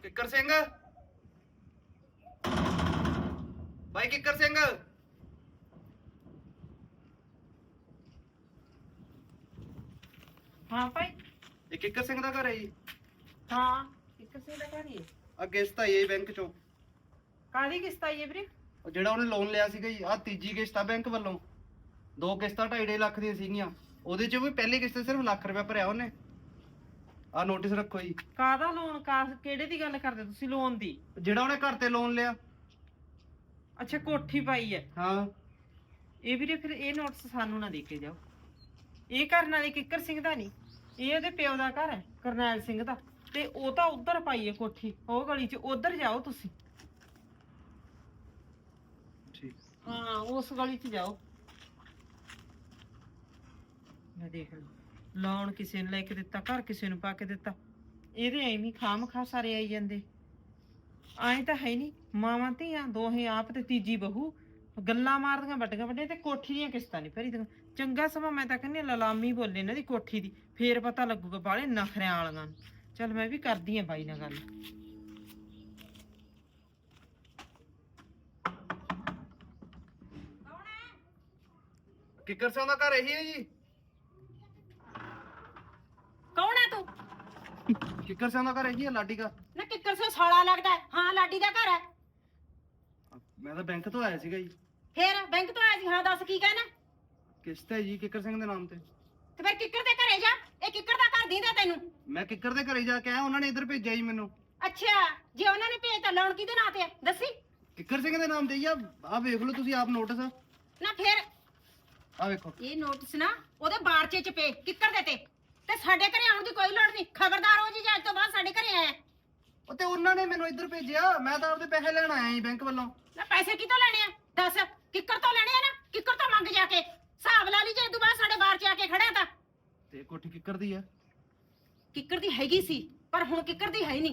ਕਿੱਕਰ ਸਿੰਘ ਭਾਈ ਕਿੱਕਰ ਸਿੰਘ हाँ भाई ਇਹ ਕਿੱਕਰ ਸਿੰਘ ਦਾ ਘਰ ਹੈ ਜੀ हाँ किस से लगा रही है ਆ ਕਿਸ਼ਤ ਆਈ ਹੈ ਬੈਂਕ ਚੋਂ काली किस्त आई है वीरे ਉਹ ਜਿਹੜਾ ਉਹਨੇ ਲੋਨ ਲਿਆ ਸੀਗਾ ਜੀ ਆ ਤੀਜੀ ਕਿਸ਼ਤ ਆ ਬੈਂਕ ਵੱਲੋਂ ਦੋ ਕਿਸ਼ਤਾਂ 2.5 ਲੱਖ ਦੀਆਂ ਸੀਗੀਆਂ ਉਹਦੇ ਚੋਂ ਵੀ ਪਹਿਲੀ ਕਿਸ਼ਤ ਸਿਰਫ ਲੱਖ ਰੁਪਏ ਭਰਿਆ ਉਹਨੇ ਆ ਨੋਟਿਸ ਰੱਖੋ ਜੀ ਕਾਹਦਾ ਲੋਨ ਕਿਹੜੇ ਦੀ ਗੱਲ ਕਰਦੇ ਤੁਸੀਂ ਲੋਨ ਦੀ ਜਿਹੜਾ ਉਹਨੇ ਘਰ ਤੇ ਲੋਨ ਲਿਆ ਅੱਛਾ ਕੋਠੀ ਪਾਈ ਹੈ ਹਾਂ ਇਹ ਵੀਰੇ ਫਿਰ ਇਹ ਨੋਟਿਸ ਸਾਨੂੰ ਨਾ ਦੇ ਕੇ ਜਾਓ ਇਹ ਕਰਨ ਵਾਲੇ ਕਿੱਕਰ ਸਿੰਘ ਦਾ ਨਹੀਂ ਇਹ ਉਹਦੇ ਪਿਓ ਦਾ ਘਰ ਹੈ ਕਰਨੈਲ ਸਿੰਘ ਦਾ ਤੇ ਉਹ ਤਾਂ ਉਧਰ ਪਾਈ ਹੈ ਕੋਠੀ ਉਹ ਗਲੀ 'ਚ ਉਧਰ ਜਾਓ ਤੁਸੀਂ ਠੀਕ ਹਾਂ ਉਸ ਗਲੀ 'ਚ ਜਾਓ ਮੈਂ ਦੇਖ ਲਓ ਲੋਨ ਕਿਸੇ ਨੂੰ ਲੈ ਕੇ ਦਿੱਤਾ ਘਰ ਕਿਸੇ ਨੂੰ ਪਾ ਕੇ ਦਿੱਤਾ ਇਹਦੇ ਐਵੇਂ ਖਾਮ ਖਾ ਸਾਰੇ ਆਈ ਜਾਂਦੇ ਆਏ ਤਾਂ ਹੈ ਨਹੀਂ ਮਾਵਾਂ ਧੀਆਂ ਦੋਹੇ ਆਪ ਤੇ ਤੀਜੀ ਬਹੂ ਗੱਲਾਂ ਮਾਰਦੀਆਂ ਵੱਡੀਆਂ ਵੱਡੀਆਂ ਤੇ ਕੋਠੀ ਦੀਆਂ ਕਿਸ਼ਤਾਂ ਨਹੀਂ ਭਰੀਆਂ ਚੰਗਾ ਸਮਾਂ ਮੈਂ ਤਾਂ ਕਹਿੰਦੀ ਲਲਾਮੀ ਬੋਲੇ ਇਹਨਾਂ ਦੀ ਕੋਠੀ ਦੀ ਫੇਰ ਪਤਾ ਲੱਗੂਗਾ ਬਾਲੇ ਨਖਰਿਆਂ ਵਾਲੀਆਂ ਨੂੰ ਚੱਲ ਮੈਂ ਵੀ ਕਰਦੀ ਆ ਬਾਈ ਨਾਲ ਗੱਲ ਕਿੱਕਰ ਸਿੰਘ ਦਾ ਘਰ ਇਹੀ ਹੈ ਜੀ कौन है तू ਕਿੱਕਰ ਸਿੰਘ ਦਾ ਘਰ ਇਹੀ ਹੈ ਲਾਡੀ ਦਾ ना किक्कर से साला लगता है हाँ लाडी दा घर है ਮੈਂ ਤਾਂ ਬੈਂਕ ਤੋਂ ਆਇਆ ਸੀਗਾ ਜੀ फिर बैंक तो आया सी हाँ दस की कहना ਕਿਸ਼ਤ ਹੈ ਜੀ ਕਿੱਕਰ ਸਿੰਘ ਦੇ ਨਾਮ ਤੇ ते फिर किक्कर दे घरे जा ये किक्कर दा घर दींदा तेनू ਮੈਂ ਕਿੱਕਰ ਦੇ ਘਰੇ ਜਾ ਕੇ ਆਇਆ ਉਹਨਾਂ ਨੇ ਇੱਧਰ ਭੇਜਿਆ ਜੀ ਮੈਨੂੰ अच्छा जे उन्होंने भेजता लोन किदे नां ते दसी ਕਿੱਕਰ ਸਿੰਘ ਦੇ ਨਾਮ ਤੇ ਜੀ ਆ ਵੇਖ ਲਓ ਤੁਸੀਂ ਆਪ ਨੋਟਿਸ ना फिर ਆ ਵੇਖੋ ये नोटिस ना ओदे बारचे च पे किक्कर दे ते साडे घरे आउण दी कोई लोड़ नहीं खबरदार हो जी जे अज तो बाद साडे घरे आया ਉਹ ਤੇ ਉਹਨਾਂ ਨੇ ਮੈਨੂੰ ਇੱਧਰ ਭੇਜਿਆ ਮੈਂ ਤਾਂ ਆਪਦੇ ਪੈਸੇ ਲੈਣ ਆਇਆ ਜੀ ਬੈਂਕ ਵੱਲੋਂ ना पैसे कितों लेने आ दस किक्कर तो लेने आ ना किक्कर तो मंग जाके हिसाब ला ली जे तू बाद साडे बार च आके खड़ा था ਤੇ ਕੋਠੀ ਕਿੱਕਰ ਦੀ ਆ किक्कर दी हैगी सी पर हुण किक्कर दी है नहीं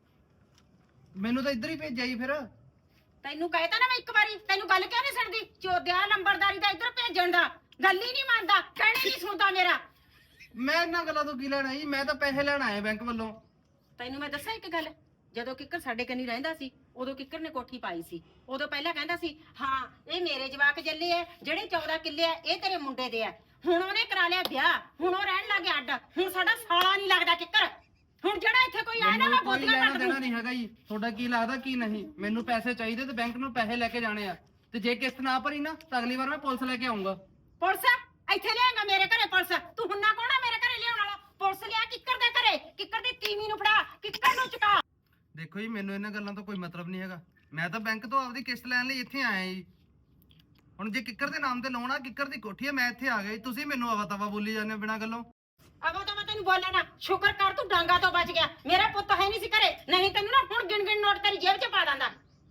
ਮੈਨੂੰ ਤਾਂ ਇੱਧਰ ਹੀ ਭੇਜਿਆ ਜੀ ਫਿਰ ਤੈਨੂੰ ਕਹਿਤਾ ਨਾ ਮੈਂ ਇੱਕ ਵਾਰੀ ਤੈਨੂੰ ਗੱਲ ਕਿਉਂ ਨਹੀਂ ਸੁਣਦੀ ਚੋਦਿਆ ਨੰਬਰਦਾਰੀ ਦਾ ਇੱਧਰ ਭੇਜਣ ਦਾ ਗੱਲ ਹੀ ਨਹੀਂ ਮੰਨਦਾ ਕਹਿਣੇ ਨਹੀਂ ਸੁਣਦਾ ਮੇਰਾ ਮੈਂ ਇਹਨਾਂ ਗੱਲਾਂ ਤੋਂ ਕੀ ਲੈਣਾ ਜੀ ਮੈਂ ਤਾਂ ਪੈਸੇ ਲੈਣ ਆਇਆ ਬੈਂਕ ਵੱਲੋਂ ਤੈਨੂੰ ਮੈਂ ਦੱਸਾਂ ਇੱਕ ਗੱਲ ਜਦੋਂ ਕਿੱਕਰ ਸਾਡੇ ਕੰਨੀ ਰਹਿੰਦਾ ਸੀ ਉਦੋਂ ਕਿੱਕਰ ਨੇ ਕੋਠੀ ਪਾਈ ਸੀ ਉਦੋਂ ਪਹਿਲਾਂ ਕਹਿੰਦਾ ਸੀ ਹਾਂ ਇਹ ਮੇਰੇ ਜਵਾਕ ਜੱਲੇ ਐ ਜਿਹੜੇ 14 ਕਿੱਲੇ ਐ ਇਹ ਤੇਰੇ ਮੁੰਡੇ ਦੇ ਐ ਹੁਣ ਉਹਨੇ ਕਰਾ ਲਿਆ ਵਿਆਹ ਹੁਣ ਉਹ ਰਹਿਣ ਲੱਗ ਗਿਆ ਅੱਡ ਹੁਣ ਸਾਡਾ ਸਾਲਾ ਨਹੀਂ ਲੱਗਦਾ ਕਿੱਕਰ ਹੁਣ ਜਿਹੜਾ ਇੱਥੇ ਕੋਈ ਆਇਆ ਨਾ ਮੈਂ ਕੋਈ ਬੋਤੀਆਂ ਲੈਣਾ ਕੱਟ ਦੇਣਾ ਦੂੰ ਨਹੀਂ ਹੈਗਾ ਜੀ ਤੁਹਾਡਾ ਕੀ ਲੱਗਦਾ ਕੀ ਨਹੀਂ ਮੈਨੂੰ ਪੈਸੇ ਚਾਹੀਦੇ ਤੇ ਬੈਂਕ ਨੂੰ ਪੈਸੇ ਲੈ ਕੇ ਜਾਣੇ ਆ ਤੇ ਜੇ ਕਿਸ਼ਤ ਨਾ ਭਰੀ ਨਾ ਤਾਂ ਅਗਲੀ ਵਾਰ ਮੈਂ ਪੁਲਿਸ ਲੈ ਕੇ ਆਉਂਗਾ ਪੁਲਿਸ ਇੱਥੇ ਲਿਆਂਗਾ ਮੇਰੇ ਘਰੇ ਪੁਲਿਸ ਤੂੰ ਹੁੰਨਾ ਕੌਣ ਆ ਮੇਰੇ ਘਰੇ ਲਿਆਉਣ ਵਾਲਾ ਪੁਲਿਸ ਲਿਆ ਕਿੱਕਰ ਦੇ ਘਰੇ ਕਿੱਕਰ ਦੀ ਤੀਵੀਂ ਨੂੰ ਫੜਾ ਕਿੱਕਰ ਨੂੰ ਚੁਕਾ ਦੇਖੋ ਜੀ ਮੈਨੂੰ ਇਹਨਾਂ ਗੱਲਾਂ ਤੋਂ ਕੋਈ ਮਤਲਬ ਨਹੀਂ ਹੈਗਾ ਮੈਂ ਤਾਂ ਬੈਂਕ ਤੋਂ ਆਪਦੀ ਕਿਸ਼ਤ ਲੈਣ ਲਈ ਇੱਥੇ ਆਇਆ ਜੀ ਹੁਣ ਜੇ ਕਿੱਕਰ ਦੇ ਨਾਮ ਤੇ ਲੋਨ ਆ ਕਿੱਕਰ ਦੀ ਕੋਠੀ ਆ ਮੈਂ ਇੱਥੇ ਆ ਗਿਆ ਜੀ ਤੁਸੀਂ ਮੈਨੂੰ ਆਵਾ ਤਵਾ ਬੋਲੀ ਜਾਂਦੇ ਹੋ ਬਿਨਾਂ ਗੱਲੋਂ ਅਗੋ ਤਾਂ ਮੈਂ ਤੈਨੂੰ ਬੋਲਿਆ ਨਾ ਸ਼ੁਕਰ ਕਰ ਤੂੰ ਡਾਂਗਾ ਤੋਂ ਬਚ ਗਿਆ ਮੇਰਾ ਪੁੱਤ ਹੈ ਨਹੀਂ ਸੀ ਘਰੇ ਨਹੀਂ ਤੈਨੂੰ ਨਾ ਹੁਣ ਗਿਣ ਗਿਣ ਨੋਟ ਤੇਰੀ ਜੇਬ 'ਚ ਪਾ ਦਾਂਦਾ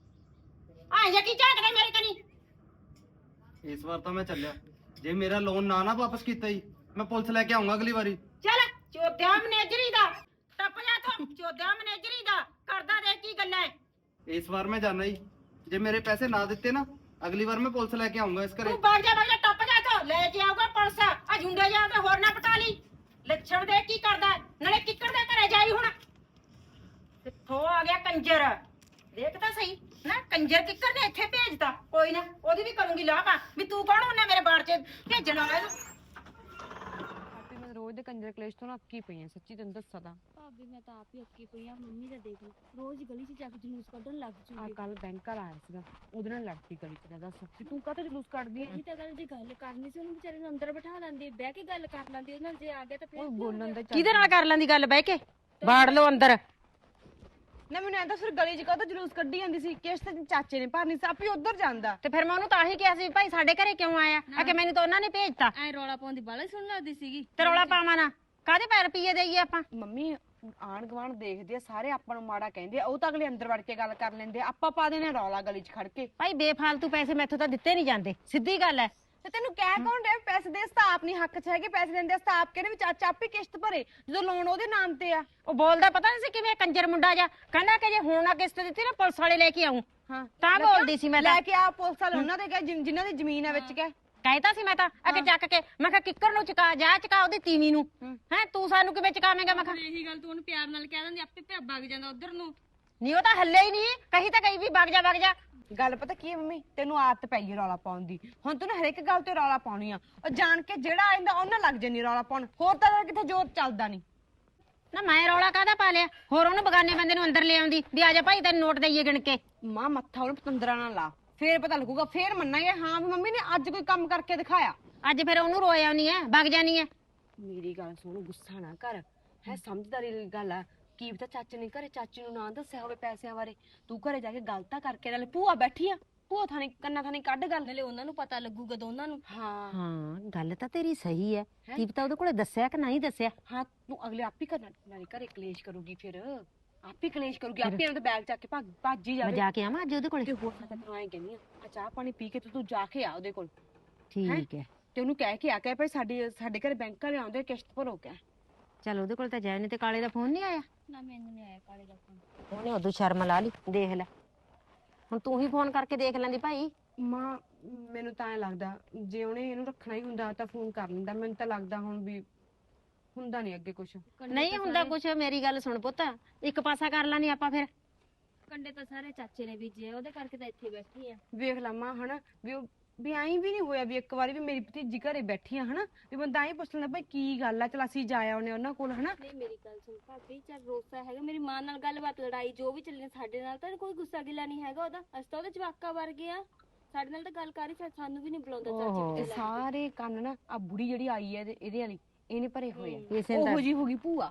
ਆ ਜੇ ਕੀ ਝਾਕਦਾ ਮੇਰੇ ਕਨੀ ਇਸ ਵਾਰ ਤਾਂ ਮੈਂ ਚੱਲਿਆ ਜੇ ਮੇਰਾ ਲੋਨ ਨਾ ਵਾਪਸ ਕੀਤਾ ਜੀ ਮੈਂ ਪੁਲਿਸ ਲੈ ਕੇ ਆਉਂਗਾ ਅਗਲੀ ਵਾਰੀ ਚੱਲ ਚੋਦਿਆ ਮੈਨੇਜਰੀ ਦਾ ਟੱਪ ਜਾ ਤੂੰ ਚੋਦਿਆ ਮੈਨੇਜਰੀ ਦਾ ਕਰਦਾ ਦੇਖ ਕੀ ਗੱਲਾਂ ਐ ਇਸ ਵਾਰ ਮੈਂ ਜਾਣਾ ਜੀ ਜੇ ਮੇਰੇ ਪੈਸੇ ਨਾ ਦਿੱਤੇ ਨਾ ਅਗਲੀ ਵਾਰ ਮੈਂ ਪੁਲਿਸ ਲੈ ਕੇ ਆਉਂਗਾ ਇਸ ਘਰੇ ਤੂੰ ਬਾਗ ਜਾ ਟੱਪ ਜਾ ਤੋ ਲੈ ਕੇ ਆਊਗਾ ਪੁਲਿਸ ਆ ਜੁੰਡੇ ਜਾ ਕੇ ਹੋਰ ਨਾ ਪਟਾ ਲਈ ਲੱਛਣ ਦੇ ਕੀ ਕਰਦਾ ਨਾਲੇ ਕਿੱਕਰ ਦੇ ਘਰੇ ਜਾਈ ਹੁਣ ਕਿੱਥੋਂ ਆ ਗਿਆ ਕੰਜਰ ਦੇਖ ਤਾਂ ਸਹੀ ਨਾ ਕੰਜਰ ਕਿੱਕਰ ਨੇ ਇੱਥੇ ਭੇਜਤਾ ਕੋਈ ਨਾ ਉਹਦੀ ਵੀ ਕਰੂੰਗੀ ਲਾਪਾ ਵੀ ਤੂੰ ਕੌਣ ਹੁੰਨਾ ਮੇਰੇ ਬਾੜ 'ਚ ਭੇਜਣ ਵਾਲਾ ਇਹਨੂੰ ਭਾਬੀ ਮੈਂ ਰੋਜ਼ ਦੇ ਕੰਜਰ ਕਲੇਸ਼ ਤੋਂ ਨਾ ਅੱਕੀ ਪਈ ਆ ਸੱਚੀ ਤੈਨੂੰ ਦੱਸਾਂ ਤਾਂ ਭਾਬੀ ਮੈਂ ਤਾਂ ਆਪ ਹੀ ਅੱਕੀ ਪਈ ਆ ਮੰਮੀ ਦਾ ਦੇਖ ਰੋਜ਼ ਗਲੀ 'ਚ ਜਾ ਕੇ ਜਲੂਸ ਕੱਢਣ ਲੱਗ ਆ ਜੂਗੀ ਕੱਲ ਬੈਂਕ ਘਰ ਆਇਆ ਸੀਗਾ ਉਹਦੇ ਨਾਲ ਲੜਦੀ ਗਲੀ ਚ ਦੱਸ ਵੀ ਤੂੰ ਕਾਹਤੋਂ ਜਲੂਸ ਕੱਢਦੀ ਐ ਇਹ ਤਾਂ ਗੱਲ ਜੇ ਗੱਲ ਕਰਨੀ ਸੀ ਉਹਨੂੰ ਵਿਚਾਰੇ ਨੂੰ ਅੰਦਰ ਬਿਠਾ ਲੈਂਦੀ ਬਹਿ ਕੇ ਗੱਲ ਕਰ ਲੈਂਦੀ ਉਹਦੇ ਨਾਲ ਜੇ ਆ ਗਿਆ ਤਾਂ ਫਿਰ ਉਹ ਬੋਲਣ ਦੇ ਕਿਹਦੇ ਨਾਲ ਕਰ ਲੈਂਦੀ ਗੱਲ ਬਹਿ ਕੇ ਬਾੜ ਲਓ ਅੰਦਰ ਨਾ ਮੈਨੂੰ ਐਂ ਤਾਂ ਫਿਰ ਗਲੀ ਚ ਕਾਹਤੋਂ ਜਲੂਸ ਕੱਢੀ ਜਾਂਦੀ ਸੀ ਕਿਸ਼ਤ ਤੇ ਚਾਚੇ ਨੇ ਭਰਨੀ ਸੀ ਆਪੇ ਉਧਰ ਜਾਂਦਾ ਤੇ ਫਿਰ ਮੈਂ ਉਹਨੂੰ ਤਾਂ ਹੀ ਕਿਹਾ ਸੀ ਭਾਈ ਸਾਡੇ ਘਰੇ ਕਿਉਂ ਆਇਆ ਆ ਕਿ ਮੈਨੂੰ ਤਾਂ ਉਹਨਾਂ ਨੇ ਭੇਜਤਾ ਐ ਰੌਲਾ ਪਾਉਂਦੀ ਬਾਲਾ ਸੁਣ ਲੱਗਦੀ ਸੀਗੀ ਤੇ ਰੌਲਾ ਪਾਵਾਂ ਨਾ ਕਾਹਦੇ ਪੈਰ ਪੀਏ ਦੇਈਏ ਆਪਾਂ ਮੰਮੀ ਆਣ ਗਵਾਣ ਦੇਖਦੇ ਆ ਸਾਰੇ ਆਪਾਂ ਨੂੰ ਮਾੜਾ ਕਹਿੰਦੇ ਆ ਉਹ ਤਾਂ ਅਗਲੇ ਅੰਦਰ ਵੜ ਕੇ ਗੱਲ ਕਰ ਲੈਂਦੇ ਆ ਆਪਾਂ ਪਾ ਦੇਣੇ ਰੌਲਾ ਗਲੀ ਚ ਖੜ ਕੇ ਭਾਈ ਬੇਫਾਲਤੂ ਪੈਸੇ ਮੈਥੋਂ ਤਾਂ ਦਿੱਤੇ ਨਹੀਂ ਜਾਂਦੇ ਸਿੱਧੀ ਗੱਲ ਹੈ ਤੇ ਤੈਨੂੰ ਕਹਿ ਕੌਣ ਰਿਹਾ ਪੈਸੇ ਦੇ ਸਤਾਪ ਨਹੀਂ ਹੱਕ ਚ ਹੈਗੇ ਪੈਸੇ ਦਿੰਦੇ ਸਤਾਪ ਕਹਿੰਦੇ ਵੀ ਚਾਚਾ ਆਪੇ ਕਿਸ਼ਤ ਭਰੇ ਜਦੋਂ ਲੋਨ ਉਹਦੇ ਨਾਮ ਤੇ ਆ ਉਹ ਬੋਲਦਾ ਪਤਾ ਨਹੀਂ ਸੀ ਕਿਵੇਂ ਕੰਜਰ ਮੁੰਡਾ ਜਾ ਕਹਿੰਦਾ ਕਿ ਜੇ ਹੁਣ ਨਾ ਕਿਸ਼ਤ ਦਿੱਤੀ ਨਾ ਪੁਲਿਸ ਵਾਲੇ ਲੈ ਕੇ ਆਉਂ ਹਾਂ ਤਾਂ ਬੋਲਦੀ ਸੀ ਮੈਂ ਤਾਂ ਲੈ ਕੇ ਆ ਪੁਲਿਸ ਵਾਲੇ ਉਹਨਾਂ ਦੇ ਕਹੇ ਜਿਨ੍ਹਾਂ ਦੀ ਜ਼ਮੀਨ ਆ ਵਿੱਚ ਕਹੇ ਕਹਿਤਾ ਸੀ ਮੈਂ ਤਾਂ ਅਕੇ ਚੱਕ ਕੇ ਮੈਂ ਕਿਹਾ ਕਿੱਕਰ ਨੂੰ ਚੁਕਾ ਜਾ ਚੁਕਾ ਉਹਦੀ ਤੀਵੀਂ ਨੂੰ ਹੈ ਤੂੰ ਸਾਨੂੰ ਕਿਵੇਂ ਚੁਕਾਵੇਂਗਾ ਮੈਂ ਕਿਹਾ ਇਹੀ ਗੱਲ ਤੂੰ ਉਹਨੂੰ ਪਿਆਰ ਨਾਲ ਕਹਿ ਦਿੰਦੀ ਆਪੇ ਭੱਗ ਜਾਂਦਾ ਉਧਰ ਨੂੰ ਨਹੀਂ ਉਹ ਤਾਂ ਹੱਲੇ ਹੀ ਨਹੀਂ ਕਹੀ ਤਾਂ ਕਹੀ ਵੀ ਵਗ ਜਾ ਗੱਲ ਪਤਾ ਕੀ ਹੈ ਮੰਮੀ, ਤੈਨੂੰ ਆਦਤ ਪੈ ਗਈ ਰੌਲਾ ਪਾਉਣ ਦੀ। ਹੁਣ ਤੂੰ ਨਾ ਹਰੇਕ ਗੱਲ ਤੇ ਰੌਲਾ ਪਾਉਣੀ ਆ। ਉਹ ਜਾਣ ਕੇ ਜਿਹੜਾ ਆਇੰਦਾ ਉਹਨਾਂ ਲੱਗ ਜੰਨੀ ਰੌਲਾ ਪਾਉਣ। ਹੋਰ ਤਾਂ ਕਿਤੇ ਜ਼ੋਰ ਚੱਲਦਾ ਨਹੀਂ। ਨਾ ਮੈਂ ਰੌਲਾ ਕਾਹਦਾ ਪਾ ਲਿਆ? ਹੋਰ ਉਹਨੂੰ ਬਗਾਨੇ ਬੰਦੇ ਨੂੰ ਅੰਦਰ ਲੈ ਆਉਂਦੀ ਵੀ ਆ ਜਾ ਭਾਈ ਤੈਨੂੰ ਨੋਟ ਦਈਏ ਗਿਣ ਕੇ। ਮਾਂ ਮੱਥਾ ਉਹਨੂੰ ਪਤੰਦਰਾ ਨਾਲ ਲਾ, ਫੇਰ ਪਤਾ ਲੱਗੂਗਾ, ਫੇਰ ਮੰਨਾਂਗੇ ਹਾਂ ਵੀ ਮੰਮੀ ਨੇ ਅੱਜ ਕੋਈ ਕੰਮ ਕਰਕੇ ਦਿਖਾਇਆ। ਅੱਜ ਫਿਰ ਉਹਨੂੰ ਰੋਇਆ ਨਹੀਂ ਐ, ਵਗ ਜਾਨੀ ਐ। ਮੇਰੀ ਗੱਲ ਸੁਣ, ਗੁੱਸਾ ਨਾ ਕਰ, ਹੈ ਸਮਝਦਾਰੀ ਦੀ ਗੱਲ ਆ। ਕੀ ਪਤਾ ਚਾਚੇ ਨੇ ਘਰੇ ਚਾਚੀ ਨੂੰ ਨਾ ਦੱਸਿਆ ਹੋਵੇ ਪੈਸਿਆਂ ਬਾਰੇ। ਤੂੰ ਘਰੇ ਜਾ ਕੇ ਗੱਲ ਤਾਂ ਕਰਕੇ, ਨਾਲੇ ਭੂਆ ਬੈਠੀ ਆ, ਭੂਆ ਥਾਣੀ ਕੰਨਾਂ ਥਾਣੀ ਕੱਢ ਗੱਲ। ਨਾਲੇ ਉਹਨਾਂ ਨੂੰ ਪਤਾ ਲੱਗੂਗਾ ਦੋਨਾਂ ਨੂੰ। ਹਾਂ ਗੱਲ ਤਾਂ ਤੇਰੀ ਸਹੀ ਐ। ਕੀ ਪਤਾ ਉਹਦੇ ਕੋਲੇ ਦੱਸਿਆ ਕਿ ਨਹੀਂ ਦੱਸਿਆ। ਹਾਂ ਤੂੰ ਅਗਲੇ ਆਪ ਹੀ ਕਰਨਾ, ਨਾਲੇ ਘਰੇ ਕਲੇਸ਼ ਕਰੂਗੀ, ਫਿਰ ਆਪ ਹੀ ਕਲੇਸ਼ ਕਰੂਗੀ, ਆਪੇ ਇਹਨਾਂ ਦਾ ਬੈਗ ਚੱਕ ਕੇ ਭੱਜ ਹੀ ਮੈਂ ਜਾਵੇ। ਜਾ ਕੇ ਆਵਾਂ ਅੱਜ ਉਹਦੇ ਕੋਲੇ। ਤੇ ਹੋਰ ਮੈਂ ਤੈਨੂੰ ਐਂ ਕਹਿੰਦੀ ਆ ਚਾਹ ਪਾਣੀ ਪੀ ਕੇ ਤੂੰ ਜਾ ਕੇ ਆ ਉਹਦੇ ਕੋਲ, ਠੀਕ ਐ। ਤੇ ਉਹਨੂੰ ਕਹਿ ਕੇ ਆ ਕੇ ਭਾਈ ਸਾਡੇ ਘਰੇ ਬੈਂਕ ਵਾਲੇ ਆਉਂਦੇ, ਕਿਸ਼ਤ ਭਰੋ ਕੇ। ਚਲ ਉਹਦੇ ਕੋਲ ਤਾਂ ਜਾਏ, ਨਹੀਂ ਤੇ ਕਾਲੇ ਦਾ ਫੋਨ ਨਹੀਂ ਆਇਆ। ਨਾ ਮੈਨੂੰ ਨਹੀਂ ਆਇਆ ਕਾਲੇ ਦਾ ਫੋਨ। ਉਹਨੇ ਉਦੋਂ ਸ਼ਰਮ ਲਾ ਲਈ, ਦੇਖ ਲੈ ਹੁਣ ਤੂੰ ਹੀ ਫੋਨ ਕਰਕੇ ਦੇਖ ਲੈਂਦੀ ਭਾਈ। ਮਾਂ ਮੈਨੂੰ ਤਾਂ ਐਂ ਲੱਗਦਾ ਜੇ ਉਹਨੇ ਇਹਨੂੰ ਰੱਖਣਾ ਹੀ ਹੁੰਦਾ ਤਾਂ ਫੋਨ ਕਰ ਲੈਂਦਾ। ਮੈਨੂੰ ਤਾਂ ਲੱਗਦਾ ਹੁਣ ਵੀ ਹੁੰਦਾ ਨਹੀਂ ਅੱਗੇ ਕੁਛ। ਨਹੀਂ ਹੁੰਦਾ ਕੁਛ। ਮੇਰੀ ਗੱਲ ਸੁਣ ਪੁੱਤ, ਇੱਕ ਪਾਸਾ ਕਰ ਲਾਂਗੇ ਆਪਾਂ ਫਿਰ। ਕੰਡੇ ਤਾਂ ਸਾਰੇ ਚਾਚੇ ਨੇ ਬੀਜੇ ਉਹਦੇ ਕਰਕੇ ਤਾਂ ਇੱਥੇ ਬੈਠੀ ਆ। ਵੇਖ ਲਾ ਮਾਂ ਹਨਾ ਵੀ ਉਹ ਵੀ ਐਂ ਵੀ ਨਹੀਂ ਹੋਇਆ ਵੀ ਇੱਕ ਵਾਰੀ ਵੀ ਮੇਰੀ ਭਤੀਜੀ ਘਰੇ ਬੈਠੀ ਆ ਹਨਾ ਵੀ ਬੰਦਾ ਐਂ ਪੁੱਛ ਲੈਂਦਾ ਭਾਈ ਕੀ ਗੱਲ ਆ, ਚਲ ਅਸੀਂ ਜਾ ਆਉਨੇ ਉਹਨਾਂ ਕੋਲ ਹਨਾ। ਨਹੀਂ ਮੇਰੀ ਗੱਲ ਸੁਣ ਭਾਬੀ, ਚੱਲ ਰੋਸਾ ਹੈਗਾ ਮੇਰੀ ਮਾਂ ਨਾਲ ਗੱਲਬਾਤ ਲੜਾਈ ਜੋ ਵੀ ਚੱਲੇ ਸਾਡੇ ਨਾਲ ਤਾਂ ਕੋਈ ਗੁੱਸਾ ਗਿਲਾ ਨਹੀਂ ਹੈਗਾ ਉਹਦਾ। ਅਸੀਂ ਤਾਂ ਉਹਦੇ ਜਵਾਕਾ ਵਰਗੇ ਆ, ਸਾਡੇ ਨਾਲ ਤਾਂ ਗੱਲ ਕਰ ਹੀ ਸਾਨੂੰ ਵੀ ਨਹੀਂ ਬੁਲਾਉਂਦਾ ਚਾਚੀ। ਇਹ ਸਾਰੇ ਕੰਨ ਨਾ ਆ ਬੁੜੀ ਜਿਹੜੀ ਆਈ ਹੈ ਇਹਦੇ ਵਾਲੀ ਇਹਨੇ ਭਰੇ ਹੋਏ ਆ। ਇਸੇ ਉਹੋ ਜੀ ਹੋ ਗਈ ਭੂਆ।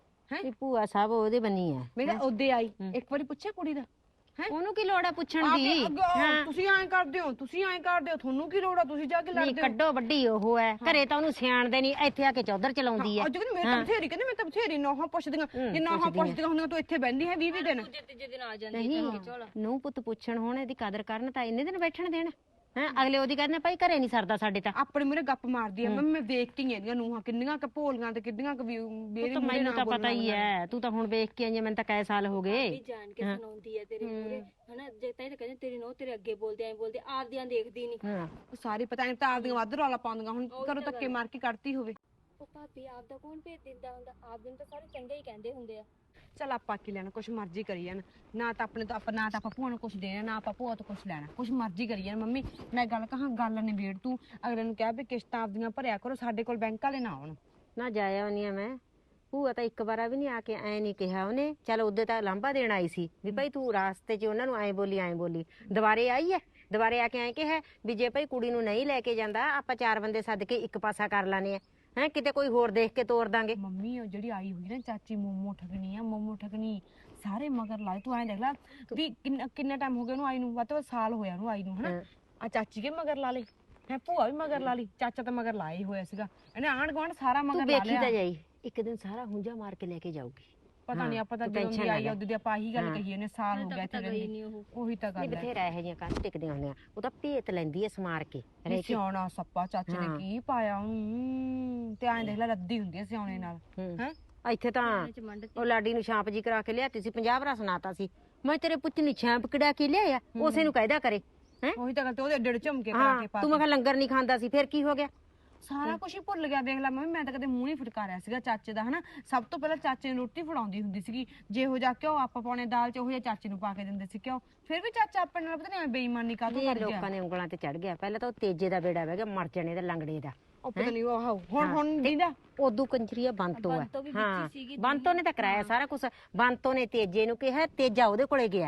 ਇਹ ਭੂਆ ਸਾਹਿਬ ਉਹਦੇ ਬੰਨੀ ਆ। ਮੈਂ ਤਾਂ ਉਹਦੇ ਆਈ ਇੱਕ ਵਾਰੀ ਪੁੱਛਿਆ ਕੁੜੀ ਦਾ, ਉਹਨੂੰ ਕੀ ਲੋੜ ਆ ਪੁੱਛਣ ਦੀ। ਤੁਸੀਂ ਐਂ ਕਰਦੇ ਹੋ, ਤੁਸੀਂ ਐਂ ਕਰਦੇ ਹੋ, ਤੁਹਾਨੂੰ ਕੀ ਲੋੜ ਆ, ਤੁਸੀਂ ਜਾ ਕੇ ਨਹੀਂ ਲੜਦੇ ਹੋ। ਕੱਢੋ ਵੱਡੀ ਉਹ ਹੈ, ਘਰੇ ਤਾਂ ਉਹਨੂੰ ਸਿਆਣਦੇ ਨਹੀਂ, ਇੱਥੇ ਆ ਕੇ ਚੌਧਰ ਚਲਾਉਂਦੀ ਹੈ। ਅੱਜ ਕਹਿੰਦੀ ਮੈਂ ਤਾਂ ਬਥੇਰੀ, ਕਹਿੰਦੀ ਮੈਂ ਤਾਂ ਬਥੇਰੀ ਨੋਹਾਂ ਪੁੱਛਦੀਆਂ, ਜੇ ਨੋਹਾਂ ਪੁੱਛਦੀਆਂ ਹੁੰਦੀਆਂ ਤੂੰ ਇੱਥੇ ਬਹਿੰਦੀ ਹੈ 20 ਦਿਨ। ਤੀਜੇ ਦਿਨ ਆ ਜਾਂਦੀ ਨਹੀਂ ਨੂੰ ਪੁੱਤ ਪੁੱਛਣ ਹੋਣ, ਇਹਦੀ ਕਦਰ ਕਰਨ ਤਾਂ ਇੰਨੇ ਦਿਨ ਬੈਠਣ ਦੇਣ ਹੈ। ਅਗਲੇ ਉਹਦੀ ਕਹਿੰਦੇ ਭਾਈ ਘਰੇ ਨਹੀਂ ਸਰਦਾ ਸਾਡੇ ਤਾਂ। ਆਪਣੇ ਮੂਹਰੇ ਗੱਪ ਮਾਰਦੀ ਆ। ਮੈਂ ਵੇਖਤੀ ਇਹਦੀਆਂ ਨੂੰਹਾਂ ਕਿੰਨੀਆਂ ਕ ਭੋਲੀਆਂ ਤੇ ਕਿੰਨੀਆਂ ਕ ਮੈਨੂੰ ਤਾਂ ਪਤਾ ਹੀ ਹੈ, ਤੂੰ ਤਾਂ ਹੁਣ ਵੇਖ ਕੇ ਆਈ ਹੈ, ਮੈਨੂੰ ਤਾਂ ਕਈ ਸਾਲ ਹੋ ਗਏ। ਜਾਣ ਕੇ ਸੁਣਾਉਂਦੀ ਹੈ ਤੇਰੇ ਮੂਹਰੇ ਹਨਾ। ਜੇ ਤਾਂ ਇਹ ਕਹਿੰਦੇ ਤੇਰੀ ਨੋ ਤੇਰੇ ਅੱਗੇ ਬੋਲਦੇ ਐਂ ਬੋਲਦੇ, ਆਪਦੀਆਂ ਦੇਖਦੀ ਨਹੀਂ। ਸਾਰੇ ਪਤਾ ਨਹੀਂ ਤਾਂ ਆਪਦੀਆਂ ਵੱਧ ਰੌਲਾ ਪਾਉਂਦੀਆਂ। ਹੁਣ ਘਰੋਂ ਧੱਕੇ ਮਾਰ ਕੇ ਕੱਢਤੀ ਹੋਵੇ। ਉਹ ਭਾਬੀ ਆਪਦਾ ਕੌਣ ਭੇਜ ਦਿੰਦਾ ਹੁੰਦਾ, ਆਪ ਦਿਨ ਤਾਂ ਸਾਰੇ ਚੰਗੇ ਹੀ ਕਹਿੰਦੇ ਹੁੰਦੇ ਆ। ਚੱਲ ਆਪਾਂ ਕੀ ਲੈਣਾ, ਕੁਛ ਮਰਜ਼ੀ ਕਰੀ ਜਾਣ। ਨਾ ਤਾਂ ਆਪਣੇ ਤੋਂ ਨਾ ਤਾਂ ਆਪਾਂ ਭੂਆ ਨੂੰ ਕੁਛ ਦੇਣਾ, ਨਾ ਆਪਾਂ ਭੂਆ ਤੋਂ ਕੁਛ ਲੈਣਾ, ਕੁਛ ਮਰਜ਼ੀ ਕਰੀ ਜਾਣ। ਮੰਮੀ ਮੈਂ ਗੱਲ ਕਹਾਂ, ਗੱਲ ਨਿਬੇੜ ਤੂੰ। ਅਗਲੇ ਨੂੰ ਕਹਿ ਵੀ ਕਿਸ਼ਤਾਂ ਆਪਦੀਆਂ ਭਰਿਆ ਕਰੋ, ਸਾਡੇ ਕੋਲ ਬੈਂਕ ਵਾਲੇ ਨਾ ਆਉਣ। ਨਾ ਜਾਇਆ ਨਹੀਂ ਆ ਮੈਂ। ਭੂਆ ਤਾਂ ਇੱਕ ਵਾਰਾ ਵੀ ਨਹੀਂ ਆ ਕੇ ਐ ਨਹੀਂ ਕਿਹਾ ਉਹਨੇ। ਚੱਲ ਉਹਦੇ ਤਾਂ ਲਾਂਭਾ ਦੇਣ ਆਈ ਸੀ ਵੀ ਭਾਈ ਤੂੰ ਰਾਸਤੇ 'ਚ ਉਹਨਾਂ ਨੂੰ ਐਂ ਬੋਲੀ। ਦੁਬਾਰੇ ਆਈ ਹੈ, ਦੁਬਾਰੇ ਆ ਕੇ ਐਂ ਕਿਹਾ ਵੀ ਜੇ ਭਾਈ ਕੁੜੀ ਨੂੰ ਨਹੀਂ ਲੈ ਕੇ ਜਾਂਦਾ ਆਪਾਂ 4 ਬੰਦੇ ਸੱਦ ਕੇ ਇੱਕ ਪਾਸਾ ਕਰ ਲਾਨੇ ਆ, ਹੈ ਕਿਤੇ ਕੋਈ ਹੋਰ ਦੇਖ ਕੇ ਤੋਰ ਦਾਂਗੇ। ਮੰਮੀ ਉਹ ਜਿਹੜੀ ਆਈ ਹੋਈ ਨਾ ਚਾਚੀ ਮੋਮੋ ਠਗਣੀ ਆ, ਮੋਮੋ ਠਗਣੀ ਸਾਰੇ ਮਗਰ ਲਾਏ। ਤੂੰ ਐਂ ਦੇਖ ਲੈ ਵੀ ਕਿੰਨਾ ਟਾਈਮ ਹੋ ਗਿਆ ਉਹਨੂੰ ਆਈ ਨੂੰ, ਵੱਧ ਤੋਂ ਵੱਧ ਸਾਲ ਹੋਇਆ ਉਹਨੂੰ ਆਈ ਨੂੰ ਹਨਾ। ਆ ਚਾਚੀ ਕੇ ਮਗਰ ਲਾ ਲਈ ਹੈ, ਭੂਆ ਵੀ ਮਗਰ ਲਾ ਲਈ, ਚਾਚਾ ਤਾਂ ਮਗਰ ਲਾਇਆ ਹੀ ਹੋਇਆ ਸੀਗਾ। ਇਹਨੇ ਆਂਢ ਗੁਆਂਢ ਸਾਰਾ ਮਗਰ ਲਾ ਲਿਆ। ਤੂੰ ਵੇਖੀ ਤਾਂ ਜਾਈ, ਇੱਕ ਦਿਨ ਸਾਰਾ ਹੁੰਜਾ ਮਾਰ ਕੇ ਲੈ ਕੇ ਜਾਊਗੀ। ਪਤਾ ਨਹੀਂ ਆਪਾਂ ਤਾਂ ਜਦੋਂ ਦੀ ਆਈ ਉਹਦੀ ਆਪਾਂ ਆਹੀ ਗੱਲ ਕਹੀ ਇਹਨੇ, ਸਾਲ ਹੋ ਗਿਆ ਇੱਥੇ ਰਹਿੰਦੀ। ਉਹੀ ਤਾਂ ਗੱਲ ਹੈ। ਬਥੇਰਾ ਇਹੋ ਜਿਹੀਆਂ ਕੰਨ ਟਿਕਦੀਆਂ ਹੁੰਦੀਆਂ, ਉਹ ਤਾਂ ਭੇਤ ਲੈਂਦੀ ਐ ਸਮਾਰ ਕੇ। ਸਿਆਣਾ ਸੱਪਾ ਚਾਚੇ ਨੇ ਕੀ ਪਾਇਆ ਉਹਨੂੰ, ਤੇ ਐਂ ਦੇਖ ਲੈ ਰੱਦੀ ਹੁੰਦੀ ਐ ਸਿਆਣੇ ਨਾਲ ਹੈ। ਇੱਥੇ ਤਾਂ ਉਹ ਲਾਡੀ ਨੂੰ ਛਾਂਪ ਜੀ ਕਰਾ ਕੇ ਲਿਆਤੀ ਸੀ, 50 ਵਾਰ ਸੁਣਾਤਾ ਸੀ ਮੈਂ ਤੇਰੇ ਪੁੱਤ ਨੂੰ ਛਾਂਪ ਕਢਾ ਕੇ ਲਿਆਇਆ, ਉਸੇ ਨੂੰ ਕਹਿਦਾ ਕਰੇ ਹੈ। ਉਹੀ ਤਾਂ ਗੱਲ ਤੇ ਉਹਦੇ ਏਡੇ ਝੁਮਕੇ ਕਰਾ ਕੇ ਪਾ। ਤੂੰ ਮੈਂ ਕਿਹਾ ਲੰਗਰ ਨਹੀਂ ਖਾਂਦਾ ਸੀ, ਫਿਰ ਕੀ ਹੋ ਗਿਆ? ਸਾਰਾ ਕੁਝ ਹੀ ਭੁੱਲ ਗਿਆ। ਦੇਖ ਲੈ ਮੰਮੀ, ਮੈਂ ਤਾਂ ਕਦੇ ਮੂੰਹ ਨਹੀਂ ਫਟਕਾਰਿਆ ਸੀਗਾ ਚਾਚੇ ਦਾ ਹਨਾ। ਸਭ ਤੋਂ ਪਹਿਲਾਂ ਚਾਚੇ ਨੂੰ ਰੋਟੀ ਫੜਾਉਂਦੀ ਹੁੰਦੀ ਸੀਗੀ, ਜਿਹੋ ਜਿਹਾ ਘਿਓ ਆਪਾਂ ਪਾਉਣੇ ਦਾਲ 'ਚ ਉਹੋ ਜਿਹਾ ਚਾਚੇ ਨੂੰ ਪਾ ਕੇ ਦਿੰਦੇ ਸੀ ਘਿਓ। ਫਿਰ ਵੀ ਚਾਚਾ ਆਪਣੇ ਨਾਲ ਪਤਾ ਨਹੀਂ ਬੇਈਮਾਨੀ ਕਾਹਤੋਂ ਕਰ ਗਿਆ। ਲੋਕਾਂ ਨੇ ਉਂਗਲਾਂ ਤੇ ਚੜ ਗਿਆ। ਪਹਿਲਾਂ ਤਾਂ ਉਹ ਤੇਜੇ ਦਾ ਬੇੜਾ ਵਹਿ ਗਿਆ, ਮਰ ਜਾਣੇ ਦਾ ਲੰਗੜੇ ਦਾ। ਉਹ ਪਤਾ ਨਹੀਂ ਉਹ ਹੁਣ ਦੀਦਾ ਉਦੋਂ ਕੰਜਰੀਆ ਬੰਤੋ ਹੈ। ਹਾਂ ਬੰਤੋ ਨੇ ਤਾਂ ਕਰਾਇਆ ਸਾਰਾ ਕੁਝ। ਬੰਤੋ ਨੇ ਤੇਜੇ ਨੂੰ ਕਿਹਾ, ਤੇਜਾ ਉਹਦੇ ਕੋਲੇ ਗਿਆ।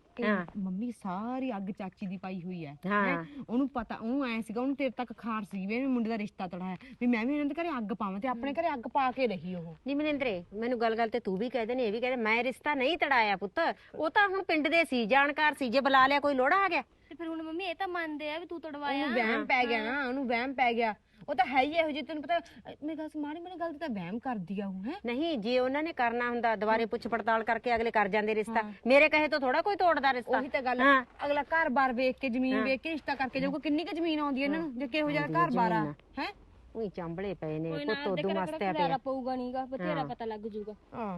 ਮੰਮੀ ਸਾਰੀ ਅੱਗ ਚਾਚੀ ਦੀ ਪਾਈ ਹੋਈ ਹੈ। ਹਾਂ ਉਹਨੂੰ ਪਤਾ, ਉਹਨੂੰ ਐ ਸੀਗਾ, ਉਹਨੂੰ ਤੇਰੇ ਤੱਕ ਖਾਰ ਸੀ ਵੀ ਮੁੰਡੇ ਦਾ ਰਿਸ਼ਤਾ ਤੜਾਇਆ ਵੀ ਮੈਂ ਵੀ ਇਹਨਾਂ ਦੇ ਘਰੇ ਅੱਗ ਪਾਵਾਂ, ਤੇ ਆਪਣੇ ਘਰੇ ਅੱਗ ਪਾ ਕੇ ਰਹੀ ਉਹ। ਨਹੀਂ ਮਨਿੰਦਰੇ, ਮੈਨੂੰ ਗੱਲ ਤੇ ਤੂੰ ਵੀ ਕਹਿ ਨੇ, ਇਹ ਵੀ ਕਹਿੰਦੇ ਮੈਂ ਰਿਸ਼ਤਾ ਨਹੀਂ ਤੜਾਇਆ ਪੁੱਤ। ਉਹ ਤਾਂ ਹੁਣ ਪਿੰਡ ਦੇ ਸੀ, ਜਾਣਕਾਰ ਸੀ, ਜੇ ਬੁਲਾ ਲਿਆ ਕੋਈ ਲੋੜਾ ਆ ਗਿਆ। ਤੇ ਫਿਰ ਹੁਣ ਮੰਮੀ ਇਹ ਤਾਂ ਮੰਨਦੇ ਆ ਵੀ ਤੂੰ ਤੜਵਾਇਆ। ਉਹਨੂੰ ਵਹਿਮ ਪੈ ਗਿਆ ਨਾ, ਉਹਨੂੰ ਵਹਿਮ ਪੈ ਗਿਆ। ਉਹ ਤਾਂ ਹੈ ਹੀ ਇਹੋ ਜਿਹੀ, ਤੈਨੂੰ ਪਤਾ ਮੇਰੀ ਗੱਲ ਮਾੜੀ ਮਾੜੀ ਗੱਲ ਤੇ ਤਾਂ ਵਹਿਮ ਕਰਦੀ ਆ ਉਹ ਹੈ। ਨਹੀਂ ਜੇ ਉਹਨਾਂ ਨੇ ਕਰਨਾ ਹੁੰਦਾ ਦੁਬਾਰੇ ਪੁੱਛ ਪੜਤਾਲ ਕਰਕੇ ਅਗਲੇ ਕਰ ਜਾਂਦੇ ਰਿਸ਼ਤਾ। ਮੇਰੇ ਕਹੇ ਤੋਂ ਥੋੜਾ ਕੋਈ ਤੋੜਦਾ ਰਿਸ਼ਤਾ। ਉਹੀ ਤਾਂ ਗੱਲ, ਅਗਲਾ ਘਰ-ਬਾਰ ਵੇਖ ਕੇ, ਜ਼ਮੀਨ ਵੇਖ ਕੇ ਰਿਸ਼ਤਾ ਕਰਕੇ ਜਾਊਗਾ। ਕਿੰਨੀ ਕੁ ਜ਼ਮੀਨ ਆਉਂਦੀ ਇਹਨਾਂ ਨੂੰ, ਜੇ ਕਿਹੋ ਜਿਹਾ ਘਰ-ਬਾਰ ਆ ਹੈ। ਉਹੀ ਚਾਂਬਲੇ ਪਏ ਨੇ, ਕੋਈ ਪੁੱਤ ਉਦੋਂ ਮਸਤਿਆ ਪਿਆ ਪਊਗਾ ਨਹੀਂਗਾ, ਬਥੇਰਾ ਪਤਾ ਲੱਗ ਜੂਗਾ।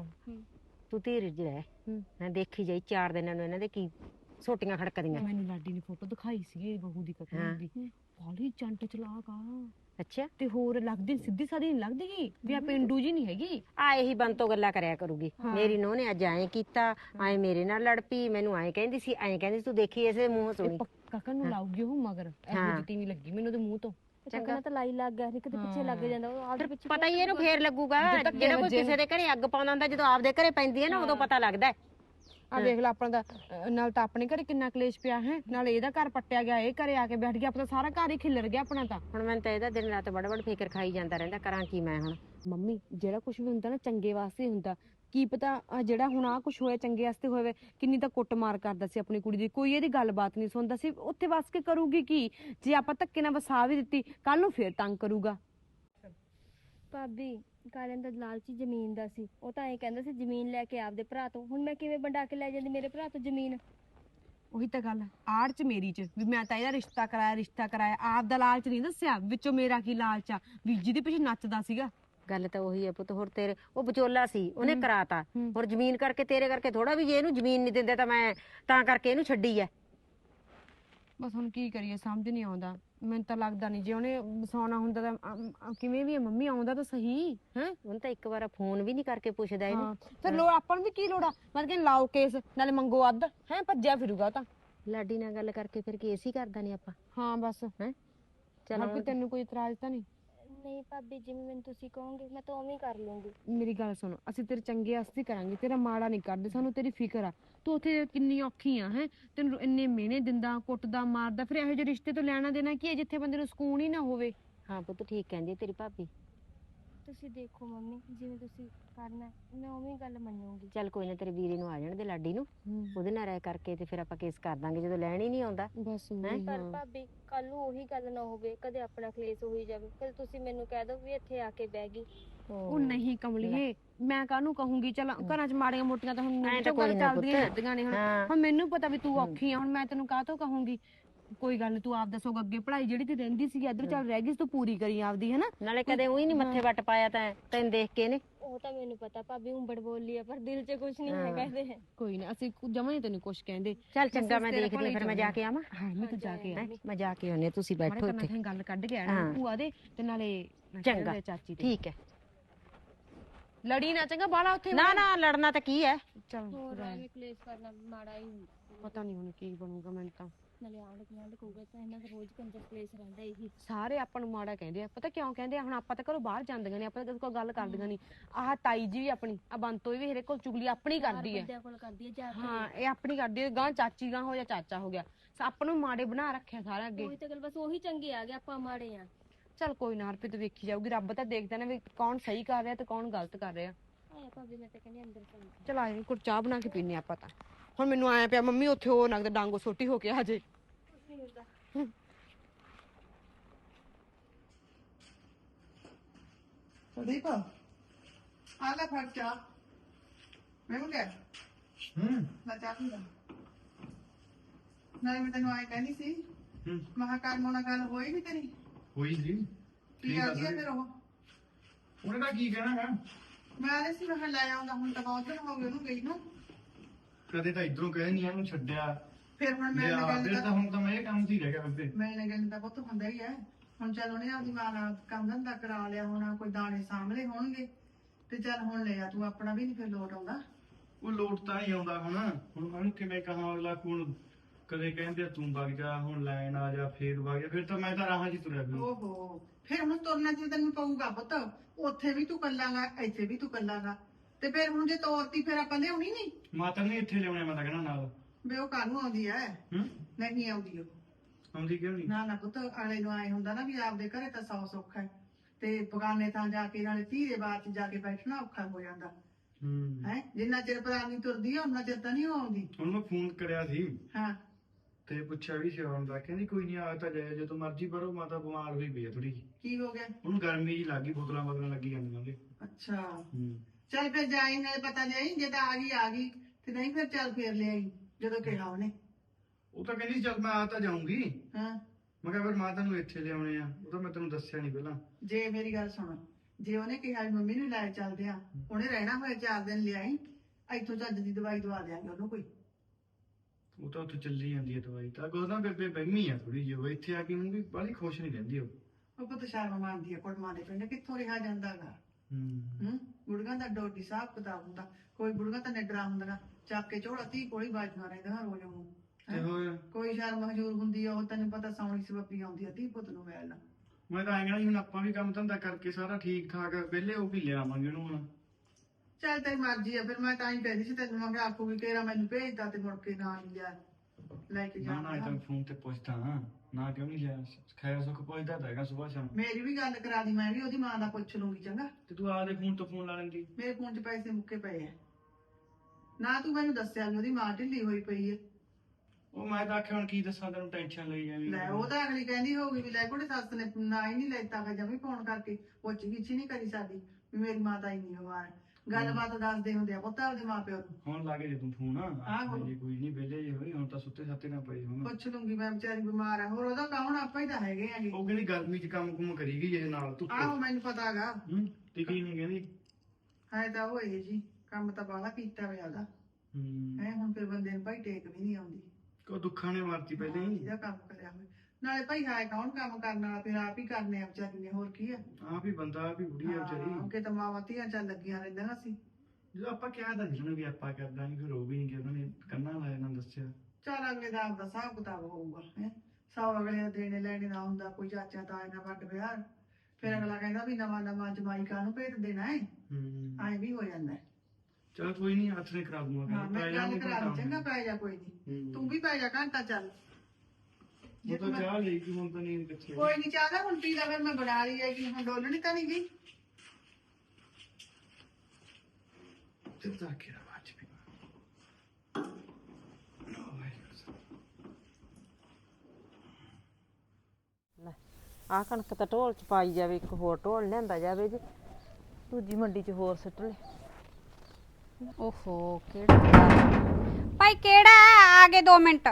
ਤੂੰ ਧੀਰਜ ਰਹਿ, ਮੈਂ ਦੇਖੀ ਜਾਈ 4 ਦਿਨਾਂ ਨੂੰ ਇਹਨਾਂ ਦੇ ਕੀ ਸੋਟੀਆਂ ਖੜਕਦੀਆਂ। ਮੈਨੂੰ ਲਾਡੀ ਨੇ ਫੋਟੋ ਦਿਖਾਈ ਸੀ ਬਹੂ ਦੀ ਕੱਪੜੇ ਦੀ, ਬਾਲੀ ਚੰਟ ਚਲਾਕ ਆ ਅੱਛਾ ਤੇ ਹੋਰ ਲੱਗਦੀ ਸਿੱਧੀ ਸਾਦੀ ਨਹੀਂ ਲੱਗਦੀ ਗੀ ਵੀ ਆ ਪਿੰਡੂ ਜੀ ਨਹੀਂ ਹੈਗੀ। ਆ ਇਹੀ ਬੰਤੋਂ ਗੱਲਾਂ ਕਰਿਆ ਕਰੂਗੀ ਮੇਰੀ ਨੂੰਹ ਨੇ ਅੱਜ ਐਂ ਕੀਤਾ ਐਂ ਮੇਰੇ ਨਾਲ ਲੜ ਪਈ ਮੈਨੂੰ ਐਂ ਕਹਿੰਦੀ ਸੀ ਤੂੰ ਦੇਖੀ ਇਸੇ ਮੂੰਹ ਸੁਣੀ ਕਾਕਾ ਨੂੰ ਲਾਉਗੀ ਉਹ ਮਗਰ ਇਹੋ ਜਿਹੀ ਟੀਵੀ ਲੱਗੀ ਮੈਨੂੰ ਤੇ ਮੂੰਹ ਤੋਂ ਚੰਗਾ ਤਾਂ ਲਾਈ ਲੱਗ ਗਿਆ ਇੱਕ ਦੇ ਪਿੱਛੇ ਲੱਗ ਜਾਂਦਾ ਉਹ ਆਪਦੇ ਪਿੱਛੇ ਪਤਾ ਹੀ ਇਹਨੂੰ ਫੇਰ ਲੱਗੂਗਾ ਜਿਹੜਾ ਕੋਈ ਕਿਸੇ ਦੇ ਘਰੇ ਅੱਗ ਪਾਉਂਦਾ ਹੁੰਦਾ ਜਦੋਂ ਆਪਦੇ ਘਰੇ ਪੈਂਦੀ ਹੈ ਨਾ ਉਦੋਂ ਪਤਾ ਲੱਗਦਾ ਹੈ। ਆ ਦੇਖ ਲੈ ਆਪਣਾ ਦਾ ਨਾਲ ਤਾਂ ਆਪਣੇ ਘਰੇ ਕਿੰਨਾ ਕਲੇਸ਼ ਪਿਆ ਹੈ ਨਾਲ ਇਹਦਾ ਘਰ ਪੱਟਿਆ ਗਿਆ ਇਹ ਘਰੇ ਆ ਕੇ ਬੈਠ ਗਿਆ ਆਪਣਾ ਸਾਰਾ ਘਰ ਹੀ ਖਿਲਰ ਗਿਆ ਆਪਣਾ ਤਾਂ। ਹੁਣ ਮੈਨੂੰ ਤਾਂ ਇਹਦਾ ਦਿਨ ਰਾਤ ਬੜ ਫਿਕਰ ਖਾਈ ਜਾਂਦਾ ਰਹਿੰਦਾ ਕਰਾਂ ਕੀ ਮੈਂ ਹੁਣ। ਮੰਮੀ ਜਿਹੜਾ ਕੁਝ ਵੀ ਹੁੰਦਾ ਨਾ ਚੰਗੇ ਵਾਸਤੇ ਹੁੰਦਾ ਕੀ ਪਤਾ ਜਿਹੜਾ ਹੁਣ ਆ ਕੁਝ ਹੋਇਆ ਚੰਗੇ ਵਾਸਤੇ ਹੋਵੇ ਕਿੰਨੀ ਤਾਂ ਕੁੱਟ ਮਾਰ ਕਰਦਾ ਸੀ ਆਪਣੀ ਕੁੜੀ ਦੀ ਕੋਈ ਇਹਦੀ ਗੱਲਬਾਤ ਨਹੀਂ ਸੁਣਦਾ ਸੀ ਉੱਥੇ ਵਸ ਕੇ ਕਰੂਗੀ ਕੀ ਜੇ ਆਪਾਂ ਧੱਕੇ ਨਾਲ ਵਸਾ ਵੀ ਦਿੱਤੀ ਕੱਲ ਨੂੰ ਫੇਰ ਤੰਗ ਕਰੂਗਾ। ਭਾਬੀ ਕਾਲਿਆਂ ਦਾ ਲਾਲਚੀ ਜ਼ਮੀਨ ਦਾ ਸੀ ਉਹ ਤਾਂ ਐਂ ਕਹਿੰਦਾ ਸੀ ਜ਼ਮੀਨ ਲੈ ਕੇ ਆਪਦੇ ਭਰਾ ਤੋਂ ਹੁਣ ਮੈਂ ਕਿਵੇਂ ਵੰਡਾ ਕੇ ਲੈ ਜਾਂਦੀ ਮੇਰੇ ਭਰਾ ਤੋਂ ਜ਼ਮੀਨ। ਉਹੀ ਤਾਂ ਗੱਲ ਆੜ ਚ ਮੇਰੀ ਚ ਵੀ ਮੈਂ ਤਾਂ ਇਹਦਾ ਰਿਸ਼ਤਾ ਕਰਾਇਆ ਆਪ ਦਾ ਲਾਲਚ ਨਹੀਂ ਦੱਸਿਆ ਵਿੱਚੋਂ ਮੇਰਾ ਕੀ ਲਾਲਚ ਆ ਵੀ ਜਿਹਦੇ ਪਿੱਛੇ ਨੱਚਦਾ ਸੀਗਾ। ਗੱਲ ਤਾਂ ਉਹੀ ਹੈ ਪੁੱਤ ਹੋਰ ਤੇਰੇ ਉਹ ਵਿਚੋਲਾ ਸੀ ਉਹਨੇ ਕਰਾਤਾ ਹੋਰ ਜ਼ਮੀਨ ਕਰਕੇ ਤੇਰੇ ਕਰਕੇ ਥੋੜਾ ਵੀ ਜੇ ਇਹਨੂੰ ਜ਼ਮੀਨ ਨਹੀਂ ਦਿੰਦੇ ਤਾਂ ਮੈਂ ਤਾਂ ਕਰਕੇ ਇਹਨੂੰ ਛੱਡੀ ਐ। ਬਸ ਹੁਣ ਕੀ ਕਰੀਏ ਸਮਝ ਨਹੀਂ ਆਉਂਦਾ ਮੈਨੂੰ ਤਾਂ ਲੱਗਦਾ ਨਹੀਂ ਜੇ ਉਹਨੇ ਵਸਾਉਣਾ ਹੁੰਦਾ ਤਾਂ ਕਿਵੇਂ ਵੀ ਹੈ ਮੰਮੀ ਆਉਂਦਾ ਤਾਂ ਸਹੀ ਹੈ। ਉਹਨੂੰ ਤਾਂ ਇੱਕ ਵਾਰ ਫੋਨ ਵੀ ਨਹੀਂ ਕਰਕੇ ਪੁੱਛਦਾ ਇਹਨੂੰ। ਫਿਰ ਲੋੜ ਆਪਾਂ ਨੂੰ ਵੀ ਕੀ ਲੋੜ ਆ ਮੈਂ ਕਹਿੰਦੀ ਲਾਓ ਕੇਸ ਨਾਲੇ ਮੰਗੋ ਅੱਧ ਹੈ ਭੱਜਿਆ ਫਿਰੂਗਾ ਤਾਂ ਲਾਡੀ ਨਾਲ ਗੱਲ ਕਰਕੇ ਫਿਰ ਕੇਸ ਹੀ ਕਰਦਾ ਨਹੀਂ ਆਪਾਂ। ਹਾਂ ਬਸ ਹੈ ਚਲੋ ਤੈਨੂੰ ਕੋਈ ਇਤਰਾਜ਼ ਤਾਂ ਨਹੀਂ। ਨਹੀਂ ਭਾਬੀ ਜਿਵੇਂ ਮੈਨੂੰ ਤੁਸੀਂ ਕਹੋਗੇ ਮੈਂ ਤਾਂ ਉਵੇਂ ਹੀ ਕਰ ਲੂੰਗੀ। ਮੇਰੀ ਗੱਲ ਸੁਣੋ ਅਸੀਂ ਤੇਰੇ ਚੰਗੇ ਵਾਸਤੇ ਕਰਾਂਗੇ ਤੇਰਾ ਮਾੜਾ ਨਹੀਂ ਕਰਦੇ ਸਾਨੂੰ ਤੇਰੀ ਫਿਕਰ ਆ ਤੂੰ ਉੱਥੇ ਕਿੰਨੀ ਔਖੀ ਆ ਹੈ ਤੈਨੂੰ ਇੰਨੇ ਮਿਹਣੇ ਦਿੰਦਾ ਕੁੱਟਦਾ ਮਾਰਦਾ ਫਿਰ ਇਹੋ ਜਿਹੇ ਰਿਸ਼ਤੇ ਤੋਂ ਲੈਣਾ ਦੇਣਾ ਕੀ ਹੈ ਜਿੱਥੇ ਬੰਦੇ ਨੂੰ ਸਕੂਨ ਹੀ ਨਾ ਹੋਵੇ। ਹਾਂ ਪੁੱਤ ਠੀਕ ਕਹਿੰਦੀ ਤੇਰੀ ਭਾਬੀ। ਤੁਸੀਂ ਦੇਖੋ ਮੰਮੀ ਜਿਵੇਂ ਤੁਸੀਂ ਕਰਨਾ ਮੈਂ ਉਵੇਂ ਹੀ ਗੱਲ ਮੰਨੂਗੀ। ਚੱਲ ਕੋਈ ਨਾ ਤੇਰੇ ਵੀਰੇ ਨੂੰ ਆ ਜਾਣ ਦੇ ਲਾਡੀ ਨੂੰ ਉਹਦੇ ਨਾਲ ਰਾਏ ਕਰਕੇ ਤੇ ਫਿਰ ਆਪਾਂ ਕੇਸ ਕਰ ਦਾਂਗੇ ਜਦੋਂ ਲੈਣ ਹੀ ਨਹੀਂ ਆਉਂਦਾ। ਬਸ ਪਰ ਭਾਬੀ ਕੱਲ ਨੂੰ ਉਹੀ ਗੱਲ ਨਾ ਹੋਵੇ ਕਦੇ ਆਪਣਾ ਕਲੇਸ਼ ਹੋਈ ਜਾਵੇ ਫਿਰ ਤੁਸੀਂ ਮੈਨੂੰ ਕਹਿ ਦੋ ਵੀ ਇੱਥੇ ਆ ਕੇ ਬਹਿ ਗਈ। ਉਹ ਨਹੀਂ ਕਮਲੀਏ ਮੈਂ ਕਾਹਨੂੰ ਕਹੂੰਗੀ ਚਲ ਘਰਾਂ 'ਚ ਮਾੜੀਆਂ ਮੋਟੀਆਂ ਤਾਂ ਹੁਣ ਚੱਲਦੀਆਂ ਰਹਿੰਦੀਆਂ ਨੇ ਹੁਣ ਮੈਨੂੰ ਪਤਾ ਵੀ ਤੂੰ ਔਖੀ ਆ ਹੁਣ ਮੈਂ ਤੈਨੂੰ ਕਾਹਤੋਂ ਕਹੂੰਗੀ ਕੋਈ ਗੱਲ ਨੀ ਤੂੰ ਆਪ ਦੱਸੋ ਅੱਗੇ ਪੜ੍ਹਾਈ ਜਿਹੜੀ ਤੇ ਰਹਿੰਦੀ ਸੀ ਇੱਧਰ ਚੱਲ ਰਹਿ ਗਈ ਤੂੰ ਪੂਰੀ ਕਰੀ ਆਪਦੀ ਹੈ ਨਾ। ਨਾਲੇ ਕਦੇ ਉਹੀ ਨਹੀਂ ਮੱਥੇ ਵੱਟ ਪਾਇਆ ਤੈਨੂੰ ਦੇਖ ਕੇ ਨੇ। ਉਹ ਤਾਂ ਮੈਨੂੰ ਪਤਾ ਭਾਬੀ ਉਂਬੜ ਬੋਲੀ ਆ ਪਰ ਦਿਲ 'ਚ ਕੁਝ ਨਹੀਂ ਹੈਗਾ ਇਹਦੇ। ਕੋਈ ਨਾ ਅਸੀਂ ਜਮਾਂ ਨਹੀਂ ਤੈਨੂੰ ਕੁਝ ਕਹਿੰਦੇ। ਚੱਲ ਚੰਗਾ ਮੈਂ ਦੇਖਦੀ ਫਿਰ ਮੈਂ ਜਾ ਕੇ ਆਵਾਂ। ਹਾਂ ਮੈਂ ਤੂੰ ਜਾ ਕੇ ਆ ਮੈਂ ਜਾ ਕੇ ਆਉਣੀ ਤੁਸੀਂ ਬੈਠੋ ਇੱਥੇ ਗੱਲ ਕੱਢ ਕੇ ਆਣਾ ਭੂਆ ਦੇ ਤੇ ਨਾਲੇ ਚੰਗਾ ਚਾਚੀ ਦੇ। ਠੀਕ ਹੈ ਲੜੀ ਨਾ ਚੰਗਾ ਬਾਲਾ ਉੱਥੇ ਨਾ ਨਾ ਲੜਨਾ ਤਾਂ ਕੀ ਹੈ। ਚੱਲ ਹੋਰ ਐਵੇਂ ਕਲੇਸ਼ ਕਰਨਾ ਮਾੜਾ ਹੀ ਹੁੰਦਾ। ਪਤਾ ਨਹੀਂ ਹੁਣ ਕੀ ਬਣੂਗਾ ਮੈਨੂੰ ਤਾਂ ਨਾਲੇ ਆਂਢ ਗੁਆਂਢ ਕਹੂਗਾ ਤਾਂ ਇਹਨਾਂ ਦਾ ਰੋਜ਼ ਕੰਜਰ ਕਲੇਸ਼ ਰਹਿੰਦਾ ਇਹੀ। ਸਾਰੇ ਆਪਾਂ ਨੂੰ ਮਾੜਾ ਕਹਿੰਦੇ ਆ ਪਤਾ ਕਿਉਂ ਕਹਿੰਦੇ ਆ ਹੁਣ ਆਪਾਂ ਤਾਂ ਘਰੋਂ ਬਾਹਰ ਜਾਂਦੀਆਂ ਨੇ ਆਪਾਂ ਤਾਂ ਕੋਈ ਗੱਲ ਕਰਦੀਆਂ ਨਹੀਂ ਆਹ ਤਾਈ ਜੀ ਵੀ ਆਪਣੀ ਆ ਬੰਤੋ ਵੀ ਹਰੇ ਕੋਲ ਚੁਗਲੀ ਆਪਣੀ ਕਰਦੀ ਹੈ। ਕੋਲ ਕਰਦੀ ਹੈ ਜਾ ਕੇ। ਹਾਂ ਇਹ ਆਪਣੀ ਕਰਦੀ ਹੈ ਗਾਂ ਚਾਚੀ ਗਾਂ ਹੋ ਜਾਂ ਚਾਚਾ ਹੋ ਗਿਆ ਆਪਾਂ ਨੂੰ ਮਾੜੇ ਬਣਾ ਰੱਖਿਆ ਸਾਰਾ ਅੱਗੇ। ਉਹੀ ਤਾਂ ਗੱਲ ਬਸ ਉਹੀ ਚੰਗੇ ਆ ਗਏ ਆਪਾਂ ਮਾੜੇ ਆ। ਚੱਲ ਕੋਈ ਨਾ ਹਰਪ੍ਰੀਤ ਵੇਖੀ ਜਾਊਗੀ ਰੱਬ ਤਾਂ ਦੇਖਦਾ ਨਾ ਵੀ ਕੌਣ ਸਹੀ ਕਰ ਰਿਹਾ ਤੇ ਕੌਣ ਗਲਤ ਕਰ ਰਿਹਾ। ਆਇਆ ਭਾਬੀ ਮੈਂ ਤਾਂ ਕਹਿੰਦੀ ਅੰਦਰ ਚੱਲ। ਚਲ ਆਏ ਕੁਝ ਚਾਹ ਬਣਾ ਕੇ ਪੀਨੇ ਆਪਾਂ ਤਾਂ ਹੁਣ ਮੈਨੂੰ ਆਇਆ ਪਿਆ ਮੰਮੀ ਉੱਥੇ ਉਹ ਨਗਦ ਡਾਂਗੋ ਛੋਟੀ ਹੋ ਕੇ ਆ ਜੇ। ਸੰਦੀਪ ਆ ਲੈ ਫੜ ਚਾਹ ਮੈਂ ਕਿਹਾ ਨਾ ਚਾਹ ਪੀ ਲੈ ਨਾਲੇ ਮੈਂ ਤੈਨੂੰ ਆਏ ਕਹਿੰਦੀ ਸੀ ਮਹਾਕਾਲ ਮੋਨਾ ਗੱਲ ਹੋਈ ਨਹੀਂ ਤੇਰੀ ਹੋਈ ਜੀ ਕੀ ਕਰਦੀ ਆ ਫਿਰ ਉਹ ਉਹਨੇ ਤਾਂ ਕੀ ਕਹਿਣਾ ਹੈ ਮੈਂ ਆਲੇ ਸੀ ਮੈਂ ਲੈ ਆਉਂਦਾ ਹੁਣ ਤਾਂ ਬਹੁਤ ਦਿਨ ਹੋ ਗਏ ਉਹਨੂੰ ਗਈ ਨੂੰ ਕਦੇ ਤਾਂ ਇਧਰੋਂ ਕਹਿ ਨਹੀਂ ਇਹਨੂੰ ਛੱਡਿਆ ਫਿਰ ਹੁਣ ਮੈਂ ਫਿਰ ਤਾਂ ਹੁਣ ਤਾਂ ਮੈਂ ਇਹ ਕੰਮ 'ਚ ਹੀ ਰਹਿ ਗਿਆ ਬੇਬੇ ਮੈਂ ਗੱਲ ਤਾਂ ਬਹੁਤ ਹੁੰਦਾ ਹੀ ਹੈ ਹੁਣ ਚੱਲ ਉਹਨੇ ਆਪਦੀ ਮਾਂ ਨਾਲ ਕੰਮ ਧੰਦਾ ਕਰਾ ਲਿਆ ਹੋਣਾ ਕੋਈ ਦਾਣੇ ਸਾਹਮਣੇ ਹੋਣਗੇ ਤੇ ਚੱਲ ਹੁਣ ਲੈ ਆ ਤੂੰ ਆਪਣਾ ਵੀ ਨਹੀਂ ਫਿਰ ਲੋਟ ਆਉਂਦਾ ਉਹ ਲੋਟ ਤਾਂ ਹੀ ਆਉਂਦਾ ਹੁਣ ਮੈਨੂੰ ਕਿਵੇਂ ਕਹਾਂ ਅਗਲਾ ਹੁਣ ਕਦੇ ਕਹਿੰਦੇ ਤੂੰ ਵਗ ਜਾ ਹੁਣ ਲੈਣ ਆ ਜਾ ਫੇਰ ਵਗ ਜਾ ਫਿਰ ਤਾਂ ਮੈਂ ਤਾਂ ਰਾਹਾਂ 'ਚ ਹੀ ਤੁਰਿਆ ਫਿਰੂ। ਓਹੋ ਫਿਰ ਹੁਣ ਤੁਰਨਾ ਤੇ ਤੈਨੂੰ ਪਊਗਾ ਪੁੱਤ ਉੱਥੇ ਵੀ ਤੂੰ ਕੱਲਾਗਾ ਇੱਥੇ ਵੀ ਤੂੰ ਕੱਲਾਗਾ ਤੇ ਫਿਰ ਹੁਣ ਜੇ ਤੋਰਤੀ ਫਿਰ ਆਪਾਂ ਲਿਆਉਣੀ ਨਹੀਂ ਮਾਤਾ ਨੇ ਇੱਥੇ ਲਿਆਉਣਾ ਮੈਂ ਤਾਂ ਕਹਿਣਾ ਨਾਲ ਵੇ ਉਹ ਕਾਹਨੂੰ ਆਉਂਦੀ ਐ ਹੂੰ ਨਹੀਂ ਆਉਂਦੀ ਉਹ ਆਉਂਦੀ ਕਿਉਂ ਨਹੀਂ ਨਾ ਨਾ ਪੁੱਤ ਆਲੇ ਨੂੰ ਆਏ ਹੁੰਦਾ ਨਾ ਵੀ ਆਪਦੇ ਘਰੇ ਤਾਂ ਸੌ ਸੁੱਖ ਹੈ ਤੇ ਬਗਾਨੇ ਤਾਂ ਜਾ ਕੇ ਨਾਲੇ ਧੀਰੇ ਬਾਤ ਜਾ ਕੇ ਬੈਠਣਾ ਔਖਾ ਹੋ ਜਾਂਦਾ ਹੂੰ ਹੈ ਜਿੰਨਾ ਚਿਰ ਪ੍ਰਾਣੀ ਤੁਰਦੀ ਆ ਉਹਨਾਂ ਚਿਰ ਤਾਂ ਨਹੀਂ ਉਹ ਆਉਂਦੀ ਹੁਣ ਮੈਂ ਫੋਨ ਕਰਿਆ ਸੀ ਹਾਂ ਤੇ ਪੁੱਛਿਆ ਵੀ ਸੀ ਆਉਣ ਦਾ ਕਹਿੰਦੀ ਕੋਈ ਨਹੀਂ ਆ ਤਾਂ ਜਾਏ ਜਦੋਂ ਮਰਜ਼ੀ ਪਰ ਉਹ ਮਾਤਾ ਬਿਮਾਰ ਹੋਈ ਪਈ ਆ ਥੋੜੀ ਜਿਹੀ ਕੀ ਹੋ ਗਿਆ ਉਹਨੂੰ ਗਰਮੀ ਜੀ ਲੱਗੀ ਬੋਤਲਾਂ ਲੱਗੀ ਜਾਂਦੀਆਂ ਉਹਦੇ ਅੱਛਾ ਹੂੰ ਚੱਲ ਫਿਰ ਜਾਈ ਨਾਲੇ ਪਤਾ ਜਾਈ ਜੇ ਤਾਂ ਆ ਗਈ ਤੇ ਨਹੀਂ ਫਿਰ ਚੱਲ ਫੇਰ ਲਿਆਈ ਜਦੋਂ ਕਿਹਾ ਉਹਨੇ ਉਹ ਤਾਂ ਕਹਿੰਦੀ ਚੱਲ ਮੈਂ ਆ ਤਾਂ ਜਾਊਂਗੀ ਹਾਂ ਮੈਂ ਕਿਹਾ ਫਿਰ ਮਾਤਾ ਨੂੰ ਇੱਥੇ ਲਿਆਉਣੇ ਆ ਉਹ ਤਾਂ ਮੈਂ ਤੈਨੂੰ ਦੱਸਿਆ ਨਹੀਂ ਪਹਿਲਾਂ ਜੇ ਮੇਰੀ ਗੱਲ ਸੁਣ ਜੇ ਉਹਨੇ ਕਿਹਾ ਵੀ ਮੰਮੀ ਨੂੰ ਲੈ ਚੱਲਦੇ ਆ ਉਹਨੇ ਰਹਿਣਾ ਹੋਇਆ 4 ਦਿਨ ਲਿਆਈ ਇੱਥੋਂ ਚੱਜ ਦੀ ਦਵਾਈ ਦਵਾ ਦਿਆਂਗੇ ਉਹਨੂੰ ਕੋਈ ਉਹ ਤਾਂ ਉੱਥੇ ਚੱਲੀ ਜਾਂਦੀ ਹੈ ਦਵਾਈ ਤਾਂ ਕੋਈ ਨਾ ਬੇਬੇ ਬਹਿਮੀ ਆ ਥੋੜੀ ਜਿਹੀ ਉਹ ਇੱਥੇ ਆ ਕੇ ਉਹ ਵੀ ਬਾਹਲੀ ਖੁਸ਼ ਨਹੀਂ ਰਹਿੰਦੀ ਉਹ। ਉਹ ਪੁੱਤ ਸ਼ਰਮ ਮੰਨਦੀ ਆ ਕੁੜਮਾਂ ਦੇ ਪਿੰਡ ਕਿੱਥੋਂ ਰਿਹਾ ਜਾਂਦਾਗਾ। ਹੂੰ ਬੁੜੀਆਂ ਦਾ ਡੋਟੀ ਸਾਹਬ ਕਿਤਾਬ ਹੁੰਦਾ, ਕੋਈ ਬੁੜੀਆਂ ਤਾਂ ਨਿਡਰਾ ਹੁੰਦੀਆਂ ਚੱਕ ਕੇ ਝੋਲਾ ਧੀ ਕੋਲ ਹੀ ਬਾਜੀਆਂ ਰਹਿੰਦੀਆਂ ਰੋਜ਼ ਨੂੰ। ਤੇ ਹੋਰ ਕੋਈ ਸ਼ਰਮ ਹਜੂਰ ਹੁੰਦੀ ਆ, ਉਹ ਤੈਨੂੰ ਪਤਾ ਸੌਣੀ ਸਬੱਬੀ ਆਉਂਦੀ ਆ ਧੀ ਪੁੱਤ ਨੂੰ ਮਿਲਣ। ਮੈਂ ਤਾਂ ਆਏਗਾ ਹੁਣ ਆਪਾਂ ਵੀ ਕੰਮ ਧੰਦਾ ਕਰਕੇ ਸਾਰਾ ਠੀਕ ਠਾਕ ਵਿਹਲੇ ਹੋ ਕੇ ਲਿਆਵਾਂਗੇ ਉਹਨੂੰ ਹੁਣ। ਚੱਲ ਤੇਰੀ ਮਰਜ਼ੀ ਆ, ਫਿਰ ਮੈਂ ਤਾਂ ਹੀ ਕਹਿੰਦੀ ਸੀ ਤੈਨੂੰ, ਮੈਂ ਕਿਹਾ ਆਪੂ ਵੀ ਕਿਹੜਾ ਮੈਨੂੰ ਭੇਜਦਾ ਤੇ ਮੁੜ ਕੇ ਨਾ ਨਹੀਂ ਯਾਰ ਲੈ ਕੇ ਨਾ ਨਾ ਇਹ ਜਾਣਾ। ਤਾਂ ਫੋਨ ਤੇ ਪੁੱਛਦਾ ਹਾਂ ਨਾ ਕਿਉਂ ਨਹੀਂ ਲਿਆ ਖੈਰ ਸੁੱਖ ਪੁੱਛਦਾ ਤਾਂ ਹੈਗਾ ਸੁਬਾਹ ਸ਼ਾਮ। ਮੇਰੀ ਵੀ ਗੱਲ ਕਰਾ ਦੀ, ਮੈਂ ਵੀ ਉਹਦੀ ਮਾਂ ਦਾ ਪੁੱਛ ਲੂੰਗੀ ਚੰਗਾ। ਤੇ ਤੂੰ ਆਪਦੇ ਫੋਨ ਤੋਂ ਫੋਨ ਲਾ ਲੈਂਦੀ। ਮੇਰੇ ਫੋਨ 'ਚ ਪੈਸੇ ਮੁੱਕੇ ਪਏ ਆ ਨਾ, ਤੂੰ ਮੈਨੂੰ ਦੱਸਿਆ ਨੀ ਉਹਦੀ ਮਾਂ ਢਿੱਲੀ ਹੋਈ ਪਈ ਹੈ। ਉਹ ਮੈਂ ਤਾਂ ਆਖਿਆ ਹੁਣ ਕੀ ਦੱਸਾਂ ਤੈਨੂੰ, ਟੈਨਸ਼ਨ ਲਈ ਜਾਂਦੀ। ਲੈ ਉਹ ਤਾਂ ਅਗਲੀ ਕਹਿੰਦੀ ਹੋਊਗੀ ਵੀ ਲੈ ਕੋੜੇ ਸੱਸ ਨੇ ਨਾ ਹੀ ਨਹੀਂ ਲੈਤਾ ਗਾ ਜਮੀ ਫੋਨ ਕਰਕੇ, ਪੁੱਛ ਗਿੱਛ ਨਹੀਂ ਕਰੀ ਸਾਡੀ ਵੀ ਮੇਰੀ ਮਾਂ ਤਾਂ ਇੰਨੀ ਬਿਮਾਰ ਹੈ। ਗੱਲਬਾਤ ਦੱਸਦੇ ਹੁੰਦੇ ਆ ਪੁੱਤ ਆਪਦੇ ਮਾਂ ਪਿਓ ਨੂੰ। ਹੁਣ ਲਾ ਕੇ ਜੇ ਤੂੰ ਫੋਨ ਆਹੋ। ਜੀ ਕੋਈ ਨਹੀਂ ਵਿਹਲੇ ਜੇ ਹੋਈ ਹੁਣ ਤਾਂ ਸੁੱਤੇ ਸਾਤੇ ਨਾ ਪਈ ਹੁਣ। ਪੁੱਛ ਲੂੰਗੀ ਮੈਂ, ਵਿਚਾਰੀ ਬਿਮਾਰ ਆ, ਹੋਰ ਉਹਦਾ ਕੌਣ, ਆਪਾਂ ਹੀ ਤਾਂ ਹੈਗੇ ਆਂਗੇ। ਉਹ ਕਹਿੰਦੀ ਗਰਮੀ 'ਚ ਕੰਮ ਕੁਮ ਕਰੀ ਗਈ ਇਹ ਨਾਲ ਤੂੰ। ਆਹੋ ਮੈਨੂੰ ਪਤਾ ਹੈਗਾ। ਤੇ ਕੀ ਨਹੀਂ ਕਹਿੰਦੀ। ਹੈ ਤਾਂ ਉਹ ਇਹ ਜੀ ਕੰਮ ਤਾਂ ਬਾਹਲਾ ਕੀਤਾ ਹੋਇਆ ਉਹਦਾ ਹੈ। ਹੁਣ ਫਿਰ ਬੰਦੇ ਨੂੰ ਭਾਈ ਟੇਕ ਵੀ ਨਹੀਂ ਆਉਂਦੀ। ਕੋ ਦੁੱਖਾਂ ਨੇ ਮਾਰਤੀ ਪਹਿਲੇ ਹੀ। ਇਹਦਾ ਕੰਮ ਕਰਿਆ ਹੋਇਆ ਨਾਲੇ ਭਾਈ ਹੈ ਕੌਣ ਕੰਮ ਕਰਨ ਵਾਲਾ, ਫਿਰ ਆਪ ਹੀ ਕਰਨੇ ਆ ਵਿਚਾਰੀ ਨੇ, ਹੋਰ ਕੀ ਆ। ਆਪ ਹੀ ਬੰਦਾ ਆਪ ਹੀ ਬੁੜੀ ਆ ਵਿਚਾਰੀ। ਕਿ ਤਾਂ ਮਾਵਾਂ ਧੀਆਂ ਚੱਲ ਲੱਗੀਆਂ ਰਹਿੰਦੀਆਂ ਸੀ। ਜਦੋਂ ਆਪਾਂ ਕਿਹਾ ਤਾਂ ਜਿਹਨਾਂ ਵੀ ਆਪਾਂ ਕਰਦਾ ਨਹੀਂ ਫਿਰ ਉਹ ਵੀ ਨਹੀਂ ਕਿ ਉਹਨਾਂ ਨੇ ਕੰਨਾਂ ਲਾਇਆ ਨਾ ਦੱਸਿਆ। ਚੱਲ ਅਗਲੇ ਦਾ ਆਪਦਾ ਹਿਸਾਬ ਕਿਤਾਬ ਹੋਊਗਾ ਹੈ। ਸੌ ਅਗਲੇ ਦਾ ਦੇਣੇ ਲੈਣੇ ਦਾ ਹੁੰਦਾ, ਕੋਈ ਚਾਚਾ ਤਾਏ ਨਾਲ ਵੱਡ ਵਿਆਹ, ਫਿਰ ਅਗਲਾ ਕਹਿੰਦਾ ਵੀ ਨਵਾਂ ਨਵਾਂ ਜਮਾਈ ਕਾਹਨੂੰ ਭੇਜ ਦੇਣਾ ਹੈ। ਐਂ ਵੀ ਹੋ ਜਾਂਦਾ। ਚਲ ਕੋਈ ਨਹੀਂ ਹੱਥ ਨੇ ਕਰਾ ਦੂੰਗਾ। ਹਾਂ ਮੈਂ ਗੱਲ ਕਰਾ ਲਈ ਚੰਗਾ, ਪੈ ਜਾ ਕੋਈ ਨਹੀਂ, ਤੂੰ ਵੀ ਪੈ ਜਾ ਘੰਟਾ ਚੱਲ। ਉਹ ਤਾਂ ਚਾਹ ਲਈ ਕਿ ਹੁਣ ਤਾਂ ਨੀਂਦ ਕਿੱਥੇ। ਕੋਈ ਨਹੀਂ ਚਾਹ ਦਾ ਹੁਣ ਪੀ ਲਾ, ਫਿਰ ਮੈਂ ਬਣਾ ਲਈ ਹੈਗੀ, ਹੁਣ ਡੋਲਣੀ ਤਾਂ ਨਹੀਂ ਗਈ। ਜਿੱਦਾਂ ਕਿ ਆਵਾਜ਼ ਵੀ ਆਹ ਕਣਕ ਤਾਂ ਢੋਲ ਚ ਪਾਈ ਜਾਵੇ, ਇੱਕ ਹੋਰ ਢੋਲ ਲਿਆਂਦਾ ਜਾਵੇ ਜੀ, ਦੂਜੀ ਮੰਡੀ ਚ ਹੋਰ ਸੁੱਟ ਲੈ। ਓਹੋ ਕਿਹੜਾ ਭਾਈ, ਕਿਹੜਾ ਆ ਗਏ 2 ਮਿੰਟ।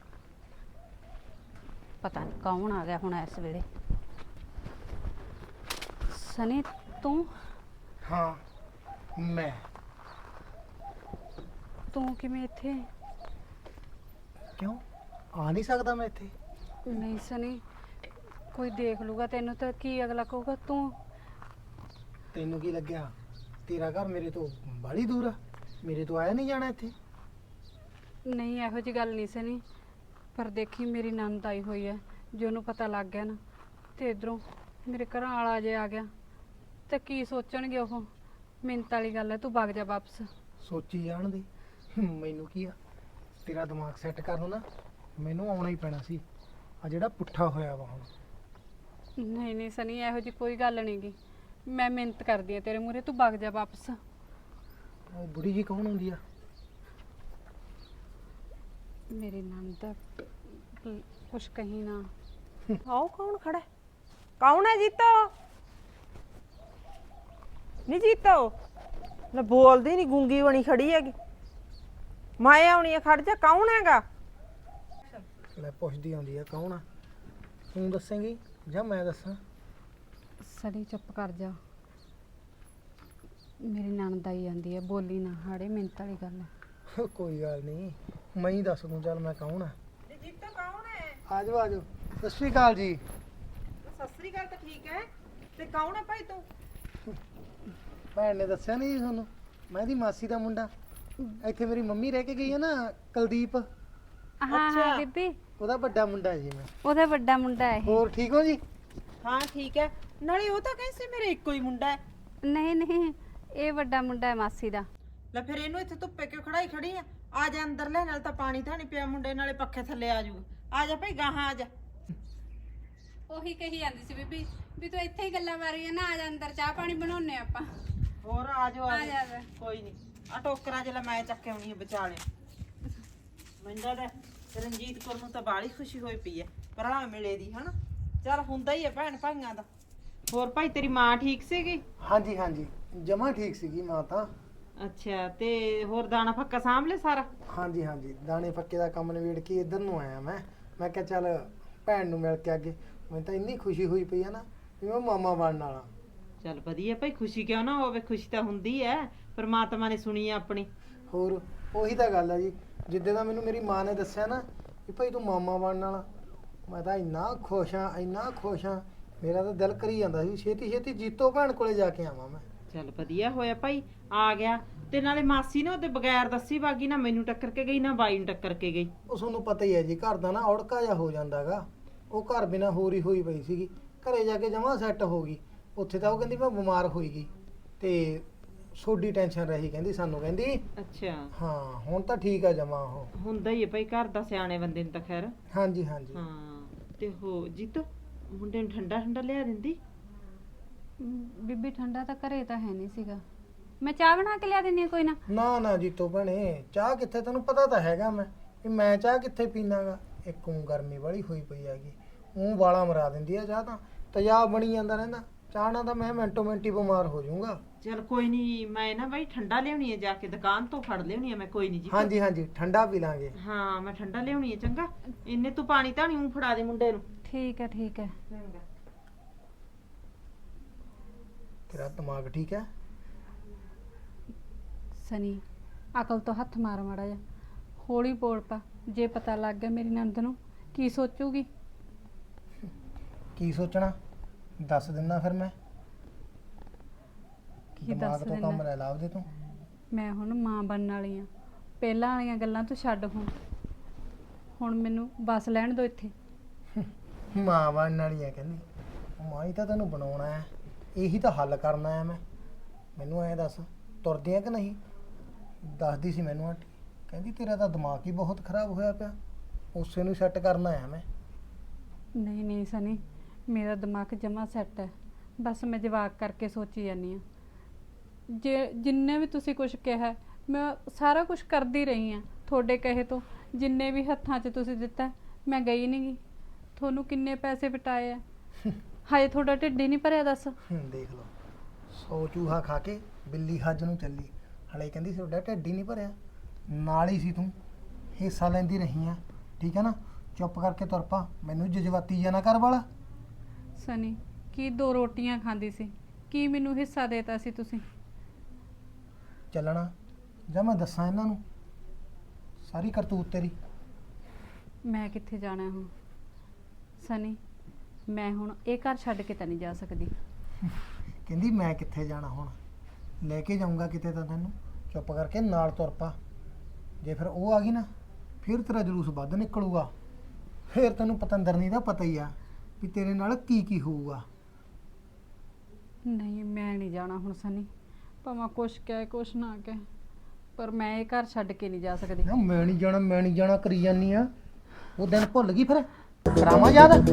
ਪਤਾ ਨਹੀਂ ਕੌਣ ਆ ਗਿਆ ਹੁਣ ਇਸ ਵੇਲੇ। ਸਨੀ ਤੂੰ? ਹਾਂ ਮੈਂ। ਤੂੰ ਕਿਵੇਂ ਇੱਥੇ? ਕਿਉਂ ਆ ਨਹੀਂ ਸਕਦਾ ਮੈਂ ਇੱਥੇ? ਨਹੀਂ ਸਨੀ, ਕੋਈ ਦੇਖ ਲੂਗਾ ਤੈਨੂੰ ਤਾਂ ਕੀ ਅਗਲਾ ਕਹੂਗਾ। ਤੂੰ ਤੈਨੂੰ ਕੀ ਲੱਗਿਆ ਤੇਰਾ ਘਰ ਮੇਰੇ ਤੋਂ ਬੜੀ ਦੂਰ ਆ? ਮੇਰੇ ਤੋਂ ਆਇਆ ਨਹੀਂ ਜਾਣਾ ਇੱਥੇ? ਨਹੀਂ ਇਹੋ ਜੀ ਗੱਲ ਨਹੀਂ ਸਨੀ, ਪਰ ਦੇਖੀ ਮੇਰੀ ਨਣਦ ਆਈ ਹੋਈ ਹੈ, ਜੇ ਉਹਨੂੰ ਪਤਾ ਲੱਗ ਗਿਆ ਨਾ ਤੇ ਇਧਰੋਂ ਮੇਰੇ ਘਰਾਂ ਵਾਲਾ ਜੇ ਆ ਗਿਆ ਤੇ ਕੀ ਸੋਚਣਗੇ ਉਹ। ਮਿੰਤ ਵਾਲੀ ਗੱਲ ਹੈ, ਤੂੰ ਵਗ ਜਾ ਵਾਪਸ। ਸੋਚੀ ਜਾਣ ਦੇ, ਮੈਨੂੰ ਕੀ ਆ। ਤੇਰਾ ਦਿਮਾਗ ਸੈੱਟ ਕਰਨ ਨੂੰ ਨਾ ਮੈਨੂੰ ਆਉਣਾ ਹੀ ਪੈਣਾ ਸੀ। ਆ ਜਿਹੜਾ ਪੁੱਠਾ ਹੋਇਆ ਵਾ ਹੁਣ। ਨਹੀਂ ਨਹੀਂ ਸਨੀ, ਇਹੋ ਜੀ ਕੋਈ ਗੱਲ ਨਹੀਂ ਗੀ, ਮੈਂ ਮਿਹਨਤ ਕਰਦੀ ਆ ਤੇਰੇ ਮੂਹਰੇ, ਤੂੰ ਵਗ ਜਾ ਵਾਪਸ। ਉਹ ਬੁੜੀ ਜੀ ਕੌਣ ਹੁੰਦੀ ਆ? ਮੇਰੀ ਨਣਦ ਕੁਛ ਕਹੀ ਨਾ। ਆਓ ਕੌਣ ਖੜਾ ਹੈ? ਕੌਣ ਹੈ ਜੀਤੋ? ਨਹੀਂ ਜੀਤੋ ਲੈ, ਬੋਲਦੀ ਨਹੀਂ, ਗੂੰਗੀ ਬਣੀ ਖੜੀ ਹੈਗੀ। ਮੈਂ ਆਉਣੀ ਆ, ਖੜ ਜਾ, ਕੌਣ ਹੈਗਾ? ਲੈ ਪੁੱਛਦੀ ਆਉਂਦੀ ਆ ਕੌਣ ਆ। ਤੂੰ ਦੱਸੇਂਗੀ ਜਾਂ ਮੈਂ ਦੱਸਾਂ? ਸਨੀ ਚੁੱਪ ਕਰ ਜਾ, ਮੇਰੀ ਨਣਦ ਆਈ ਜਾਂਦੀ ਹੈ, ਬੋਲੀ ਨਾ ਹਾੜੇ, ਮਿੰਤ ਵਾਲੀ ਗੱਲ ਹੈ। ਕੋਈ ਗੱਲ ਨਹੀਂ, ਮੈਂ ਹੀ ਦੱਸ ਦੂੰ। ਚੱਲ ਮੈਂ ਕੌਣ ਆ। ਜੀਤੋ ਕੌਣ ਹੈ? ਆਜੋ ਆਜੋ। ਸਤਿ ਸ਼੍ਰੀ ਅਕਾਲ ਜੀ। ਸਤਿ ਸ੍ਰੀ ਅਕਾਲ ਤਾਂ ਠੀਕ ਹੈ, ਤੇ ਕੌਣ ਹੈ ਭਾਈ ਤੂੰ? ਭੈਣ ਨੇ ਦੱਸਿਆ ਨਹੀਂ ਤੁਹਾਨੂੰ, ਮੈਂ ਦੀ ਮਾਸੀ ਦਾ ਮੁੰਡਾ। ਇੱਥੇ ਮੇਰੀ ਮੰਮੀ ਰਹਿ ਕੇ ਗਈ ਹੈ ਨਾ, ਕੁਲਦੀਪ, ਹਾਂ ਹਾਂ ਬੀਬੀ, ਉਹਦਾ ਵੱਡਾ ਮੁੰਡਾ ਜੀ ਮੈਂ। ਉਹਦਾ ਵੱਡਾ ਮੁੰਡਾ ਹੈ। ਹੋਰ ਠੀਕ ਹੋ ਜੀ? ਹਾਂ ਠੀਕ ਹੈ। ਨਾਲੇ ਉਹ ਤਾਂ ਕਹਿੰਦੇ ਸੀ ਮੇਰੇ ਇੱਕੋ ਹੀ ਮੁੰਡਾ ਹੈ। ਨਹੀਂ ਨਹੀਂ, ਇਹ ਵੱਡਾ ਮੁੰਡਾ ਹੈ ਮਾਸੀ ਦਾ। ਲੈ ਫਿਰ ਇਹਨੂੰ ਇੱਥੇ ਧੁੱਪੇ ਕਿਉਂ ਖੜੀ ਆ? ਆ ਜਾ ਅੰਦਰ ਲੈ, ਨਾਲ ਤਾਂ ਪਾਣੀ ਤਾਂ ਨਹੀਂ ਪਿਆ ਮੁੰਡੇ, ਨਾਲੇ ਪੱਖੇ ਥੱਲੇ ਆ ਜਾਊਗਾ। ਆ ਜਾ ਭਾਈ ਗਾਹਾਂ ਆ ਜਾ। ਉਹੀ ਕਹੀ ਜਾਂਦੀ ਸੀ ਬੀਬੀ ਵੀ ਤੂੰ ਇੱਥੇ ਹੀ ਗੱਲਾਂ ਮਾਰੀ ਨਾ, ਆ ਜਾ ਅੰਦਰ, ਚਾਹ ਪਾਣੀ ਬਣਾਉਣੇ ਆਪਾਂ। ਹੋਰ ਆ ਜਾਓ ਆ ਜਾ ਫਿਰ। ਕੋਈ ਨਹੀਂ, ਆ ਟੋਕਰਾ ਜਿਹੜਾ ਮੈਂ ਚੱਕੇ ਆਉਣੀ ਹੈ ਵਿਚਾਲੇ। ਮੰਡਾ ਦਾ ਰਣਜੀਤ ਕੌਰ ਨੂੰ ਤਾਂ ਬਾਲੀ ਖੁਸ਼ੀ ਹੋਈ ਪਈ ਹੈ ਭਰਾ ਮਿਲੇ ਦੀ, ਹਨਾ। ਚੱਲ ਹੁੰਦਾ ਹੀ ਹੈ ਭੈਣ ਭਾਈਆਂ ਦਾ। ਹੋਰ ਭਾਈ ਤੇਰੀ ਮਾਂ ਠੀਕ ਸੀਗੀ? ਹਾਂਜੀ ਹਾਂਜੀ, ਜਮਾ ਠੀਕ ਸੀਗੀ ਮਾਂ ਤਾਂ। ਅੱਛਾ, ਤੇ ਹੋਰ ਦਾਣਾ ਫੱਕਾ ਸਾਂਭ ਲੈ ਸਾਰਾ? ਹਾਂਜੀ ਹਾਂਜੀ, ਦਾਣੇ ਪੱਕੇ ਦਾ ਕੰਮ ਨਿਬੇੜ ਕੇ ਇੱਧਰ ਨੂੰ ਆਇਆ ਮੈਂ ਕਿਹਾ ਚੱਲ ਭੈਣ ਨੂੰ ਮਿਲ ਕੇ ਅੱਗੇ। ਮੈਨੂੰ ਤਾਂ ਇੰਨੀ ਖੁਸ਼ੀ ਹੋਈ ਪਈ ਆ ਨਾ ਵੀ ਮੈਂ ਮਾਮਾ ਬਣਨ ਵਾਲਾ। ਚੱਲ ਵਧੀਆ ਭਾਈ, ਖੁਸ਼ੀ ਕਿਉਂ ਨਾ ਹੋਵੇ, ਖੁਸ਼ੀ ਤਾਂ ਹੁੰਦੀ ਹੈ, ਪਰਮਾਤਮਾ ਨੇ ਸੁਣੀ ਆ ਆਪਣੀ। ਹੋਰ ਉਹੀ ਤਾਂ ਗੱਲ ਆ ਜੀ, ਜਿੱਦੇ ਦਾ ਮੈਨੂੰ ਮੇਰੀ ਮਾਂ ਨੇ ਦੱਸਿਆ ਨਾ ਕਿ ਭਾਈ ਤੂੰ ਮਾਮਾ ਬਣਨ ਵਾਲਾ, ਮੈਂ ਤਾਂ ਇੰਨਾ ਖੁਸ਼ ਹਾਂ, ਇੰਨਾ ਖੁਸ਼ ਹਾਂ, ਮੇਰਾ ਤਾਂ ਦਿਲ ਕਰੀ ਜਾਂਦਾ ਸੀ ਛੇਤੀ ਛੇਤੀ ਜੀਤੋ ਭੈਣ ਕੋਲੇ ਜਾ ਕੇ ਆਵਾਂ ਮੈਂ। ਚੱਲ ਵਧੀਆ ਹੋਇਆ ਭਾਈ ਆ ਗਿਆ। ਤੇ ਨਾਲੇ ਮਾਸੀ ਨਾ ਉਹਦੇ ਬਗੈਰ ਦੱਸੀ ਬਾਗੀ ਨਾ ਮੈਨੂੰ ਟੱਕਰ ਕੇ ਗਈ ਨਾ ਬਾਈ ਨੂੰ ਟੱਕਰ ਕੇ ਗਈ। ਉਹ ਤੁਹਾਨੂੰ ਪਤਾ ਹੀ ਹੈ ਜੀ, ਘਰ ਦਾ ਨਾ ਔੜਕਾ ਜਿਹਾ ਹੋ ਜਾਂਦਾਗਾ। ਉਹ ਘਰ ਬਿਨਾ ਹੋਰ ਹੀ ਹੋਈ ਪਈ ਸੀਗੀ, ਘਰੇ ਜਾ ਕੇ ਜਮਾਂ ਸੈੱਟ ਹੋ ਗਈ। ਉੱਥੇ ਤਾਂ ਉਹ ਕਹਿੰਦੀ ਮੈਂ ਬਿਮਾਰ ਹੋਈ ਗਈ ਤੇ ਸੋਡੀ ਟੈਨਸ਼ਨ ਰਹੀ, ਕਹਿੰਦੀ ਸਾਨੂੰ, ਕਹਿੰਦੀ ਅੱਛਾ ਹਾਂ ਹੁਣ ਤਾਂ ਠੀਕ ਆ ਜਮਾਂ। ਉਹ ਹੁੰਦਾ ਹੀ ਹੈ ਭਾਈ, ਘਰ ਦਾ ਸਿਆਣੇ ਬੰਦੇ ਨੂੰ ਤਾਂ ਖੈਰ। ਹਾਂਜੀ ਹਾਂਜੀ। ਹਾਂ ਤੇ ਹੋ ਜੀਤ ਮੁੰਡੇ ਨੂੰ ਠੰਡਾ ਠੰਡਾ ਲਿਆ ਦਿੰਦੀ। ਬੀਬੀ ਠੰਡਾ ਤਾਂ ਘਰੇ ਤਾਂ ਹੈ ਨਹੀਂ ਸੀਗਾ, ਮੈਂ ਚਾਹ ਬਣਾ ਕੇ ਲਿਆ ਦਿੰਦੀ ਹਾਂ ਕੋਈ ਨਾ। ਨਾ ਨਾ ਜੀਤੋ ਭੈਣੇ, ਚਾਹ ਕਿੱਥੇ, ਤੈਨੂੰ ਪਤਾ ਤਾਂ ਹੈਗਾ ਮੈਂ ਚਾਹ ਕਿੱਥੇ ਪੀਣਾਗਾ। ਇੱਕ ਊਂ ਗਰਮੀ ਵਾਲੀ ਹੋਈ ਪਈ ਹੈਗੀ, ਊਂ ਵਾਲਾ ਮਰਾ ਦਿੰਦੀ ਆ ਚਾਹ, ਤਾਂ ਤੇਜ਼ਾਬ ਬਣੀ ਜਾਂਦਾ ਰਹਿੰਦਾ। ਚਾਹ ਨਾਲ ਤਾਂ ਮੈਂ ਮਿੰਟੋ ਮਿੰਟ ਹੀ ਬਿਮਾਰ ਹੋ ਜਾਊਂਗਾ। ਚਲ ਕੋਈ ਨਹੀਂ, ਮੈਂ ਨਾ ਬਾਈ ਠੰਡਾ ਲਿਆਉਣੀ ਹੈ, ਜਾ ਕੇ ਦੁਕਾਨ ਤੋਂ ਫੜ ਲਿਆਉਣੀ ਹੈ ਮੈਂ। ਕੋਈ ਨਹੀਂ ਜੀ। ਹਾਂਜੀ ਹਾਂਜੀ ਠੰਡਾ ਪੀ ਲਾਂਗੇ। ਹਾਂ ਮੈਂ ਠੰਡਾ ਲਿਆਉਣੀ ਹੈ। ਚੰਗਾ ਇੰਨੇ ਤੂੰ ਪਾਣੀ ਧਾਣੀ ਊਂ ਫੜਾ ਦੇ ਮੁੰਡੇ ਨੂੰ। ਠੀਕ ਹੈ ਠੀਕ ਹੈ। ਤੇਰਾ ਦਿਮਾਗ ਠੀਕ ਹੈ? ਸਨੀ ਅਕਲ ਤੋਂ ਹੱਥ ਮਾਰ ਮਾੜਾ ਜਾ, ਹੌਲੀ ਬੋਲ ਪਾ। ਜੇ ਪਤਾ ਲੱਗ ਗਿਆ ਮੇਰੀ ਨੰਦ ਨੂੰ ਕੀ ਸੋਚੂਗੀ? ਕੀ ਸੋਚਣਾ ਦੱਸ ਦਿੰਦਾ ਫਿਰ ਮੈਂ। ਕੀ ਦਿਮਾਗ ਦੱਸ ਤੋਂ ਕੰਮ ਦਿੰਦਾ? ਲੈ ਲਾ ਉਹਦੇ ਤੋਂ। ਮੈਂ ਹੁਣ ਮਾਂ ਬਣਨ ਵਾਲੀ ਆ, ਪਹਿਲਾਂ ਵਾਲੀਆਂ ਗੱਲਾਂ ਤੂੰ ਛੱਡ। ਹੁਣ ਮੈਨੂੰ ਬਸ ਲੈਣ ਦੋ ਇੱਥੇ। ਮਾਂ ਬਣਨ ਵਾਲੀ ਆ ਕਹਿੰਦੀ, ਉਹ ਮਾਂ ਹੀ ਤਾਂ ਤੈਨੂੰ ਬਣਾਉਣਾ ਹੈ, ਇਹੀ ਤਾਂ ਹੱਲ ਕਰਨਾ ਹੈ। ਮੈਨੂੰ ਐਂ ਦੱਸ ਤੁਰਦੀ ਆ ਕਿ ਨਹੀਂ? ਦੱਸਦੀ ਸੀ ਮੈਨੂੰ ਆਂਟੀ, ਕਹਿੰਦੀ ਤੇਰਾ ਤਾਂ ਦਿਮਾਗ ਹੀ ਬਹੁਤ ਖਰਾਬ ਹੋਇਆ ਪਿਆ, ਉਸੇ ਨੂੰ ਸੈੱਟ ਕਰਨਾ ਹੈ ਮੈਂ। ਨਹੀਂ ਨਹੀਂ ਸਨੀ, ਮੇਰਾ ਦਿਮਾਗ ਜਮਾ ਸੈੱਟ ਹੈ। ਬਸ ਮੈਂ ਜਵਾਕ ਕਰਕੇ ਸੋਚੀ ਜਾਂਦੀ ਹਾਂ। ਜਿੰਨੇ ਵੀ ਤੁਸੀਂ ਕੁਝ ਕਿਹਾ ਮੈਂ ਸਾਰਾ ਕੁਝ ਕਰਦੀ ਰਹੀ ਹਾਂ ਤੁਹਾਡੇ ਕਹੇ ਤੋਂ। ਜਿੰਨੇ ਵੀ ਹੱਥਾਂ 'ਚ ਤੁਸੀਂ ਦਿੱਤਾ ਮੈਂ ਗਈ ਨਹੀਂ ਗਈ। ਤੁਹਾਨੂੰ ਕਿੰਨੇ ਪੈਸੇ ਵਟਾਏ ਆ, ਹਾਏ ਤੁਹਾਡਾ ਢਿੱਡ ਹੀ ਨਹੀਂ ਭਰਿਆ ਦੱਸ। ਦੇਖ ਲਓ, 100 ਚੂਹਾ ਖਾ ਕੇ ਬਿੱਲੀ ਹੱਜ ਨੂੰ ਚੱਲੀ, ਹਲੇ ਕਹਿੰਦੀ ਤੁਹਾਡਾ ਢਿੱਡ ਹੀ ਨਹੀਂ ਭਰਿਆ। ਨਾਲ ਹੀ ਸੀ ਤੂੰ, ਹਿੱਸਾ ਲੈਂਦੀ ਰਹੀ ਆ, ਠੀਕ ਹੈ ਨਾ? ਚੁੱਪ ਕਰਕੇ ਤੁਰ ਪਾ, ਮੈਨੂੰ ਜਜ਼ਬਾਤੀ ਜਿਹਾ ਨਾ ਕਰ ਵਾਲਾ। ਸਨੀ ਕੀ 2 ਰੋਟੀਆਂ ਖਾਂਦੀ ਸੀ, ਕੀ ਮੈਨੂੰ ਹਿੱਸਾ ਦੇਤਾ ਸੀ ਤੁਸੀਂ? ਚੱਲਣਾ ਜਾਂ ਮੈਂ ਦੱਸਾਂ ਇਹਨਾਂ ਨੂੰ ਸਾਰੀ ਕਰਤੂਤ ਤੇਰੀ? ਮੈਂ ਕਿੱਥੇ ਜਾਣਾ ਹੁਣ ਸਨੀ? ਮੈਂ ਹੁਣ ਇਹ ਘਰ ਛੱਡ ਕੇ ਤਾਂ ਨਹੀਂ ਜਾ ਸਕਦੀ। ਕਹਿੰਦੀ ਮੈਂ ਕਿੱਥੇ ਜਾਣਾ, ਹੁਣ ਲੈ ਕੇ ਜਾਊਂਗਾ ਕਿਤੇ ਤਾਂ ਤੈਨੂੰ। ਚੁੱਪ ਕਰਕੇ ਨਾਲ ਤੁਰ ਪਾ। ਜੇ ਫਿਰ ਉਹ ਆ ਗਈ ਨਾ, ਫਿਰ ਤੇਰਾ ਜਲੂਸ ਵੱਧ ਨਿਕਲੂਗਾ। ਫਿਰ ਤੈਨੂੰ ਪਤੰਦਰਨੀ ਦਾ ਪਤਾ ਹੀ ਆ ਵੀ ਤੇਰੇ ਨਾਲ ਕੀ ਕੀ ਹੋਊਗਾ। ਨਹੀਂ ਮੈਂ ਨਹੀਂ ਜਾਣਾ ਹੁਣ ਸਨੀ, ਭਾਵੇਂ ਕੁਛ ਕਹੇ ਕੁਛ ਨਾ ਕਹੇ, ਪਰ ਮੈਂ ਇਹ ਘਰ ਛੱਡ ਕੇ ਨਹੀਂ ਜਾ ਸਕਦੀ। ਨਾ ਮੈਂ ਨਹੀਂ ਜਾਣਾ ਕਰੀ ਜਾਨੀ ਆ। ਉਹ ਦਿਨ ਭੁੱਲ ਗਈ, ਫਿਰ ਕਰਾਵਾਂ ਯਾਦ।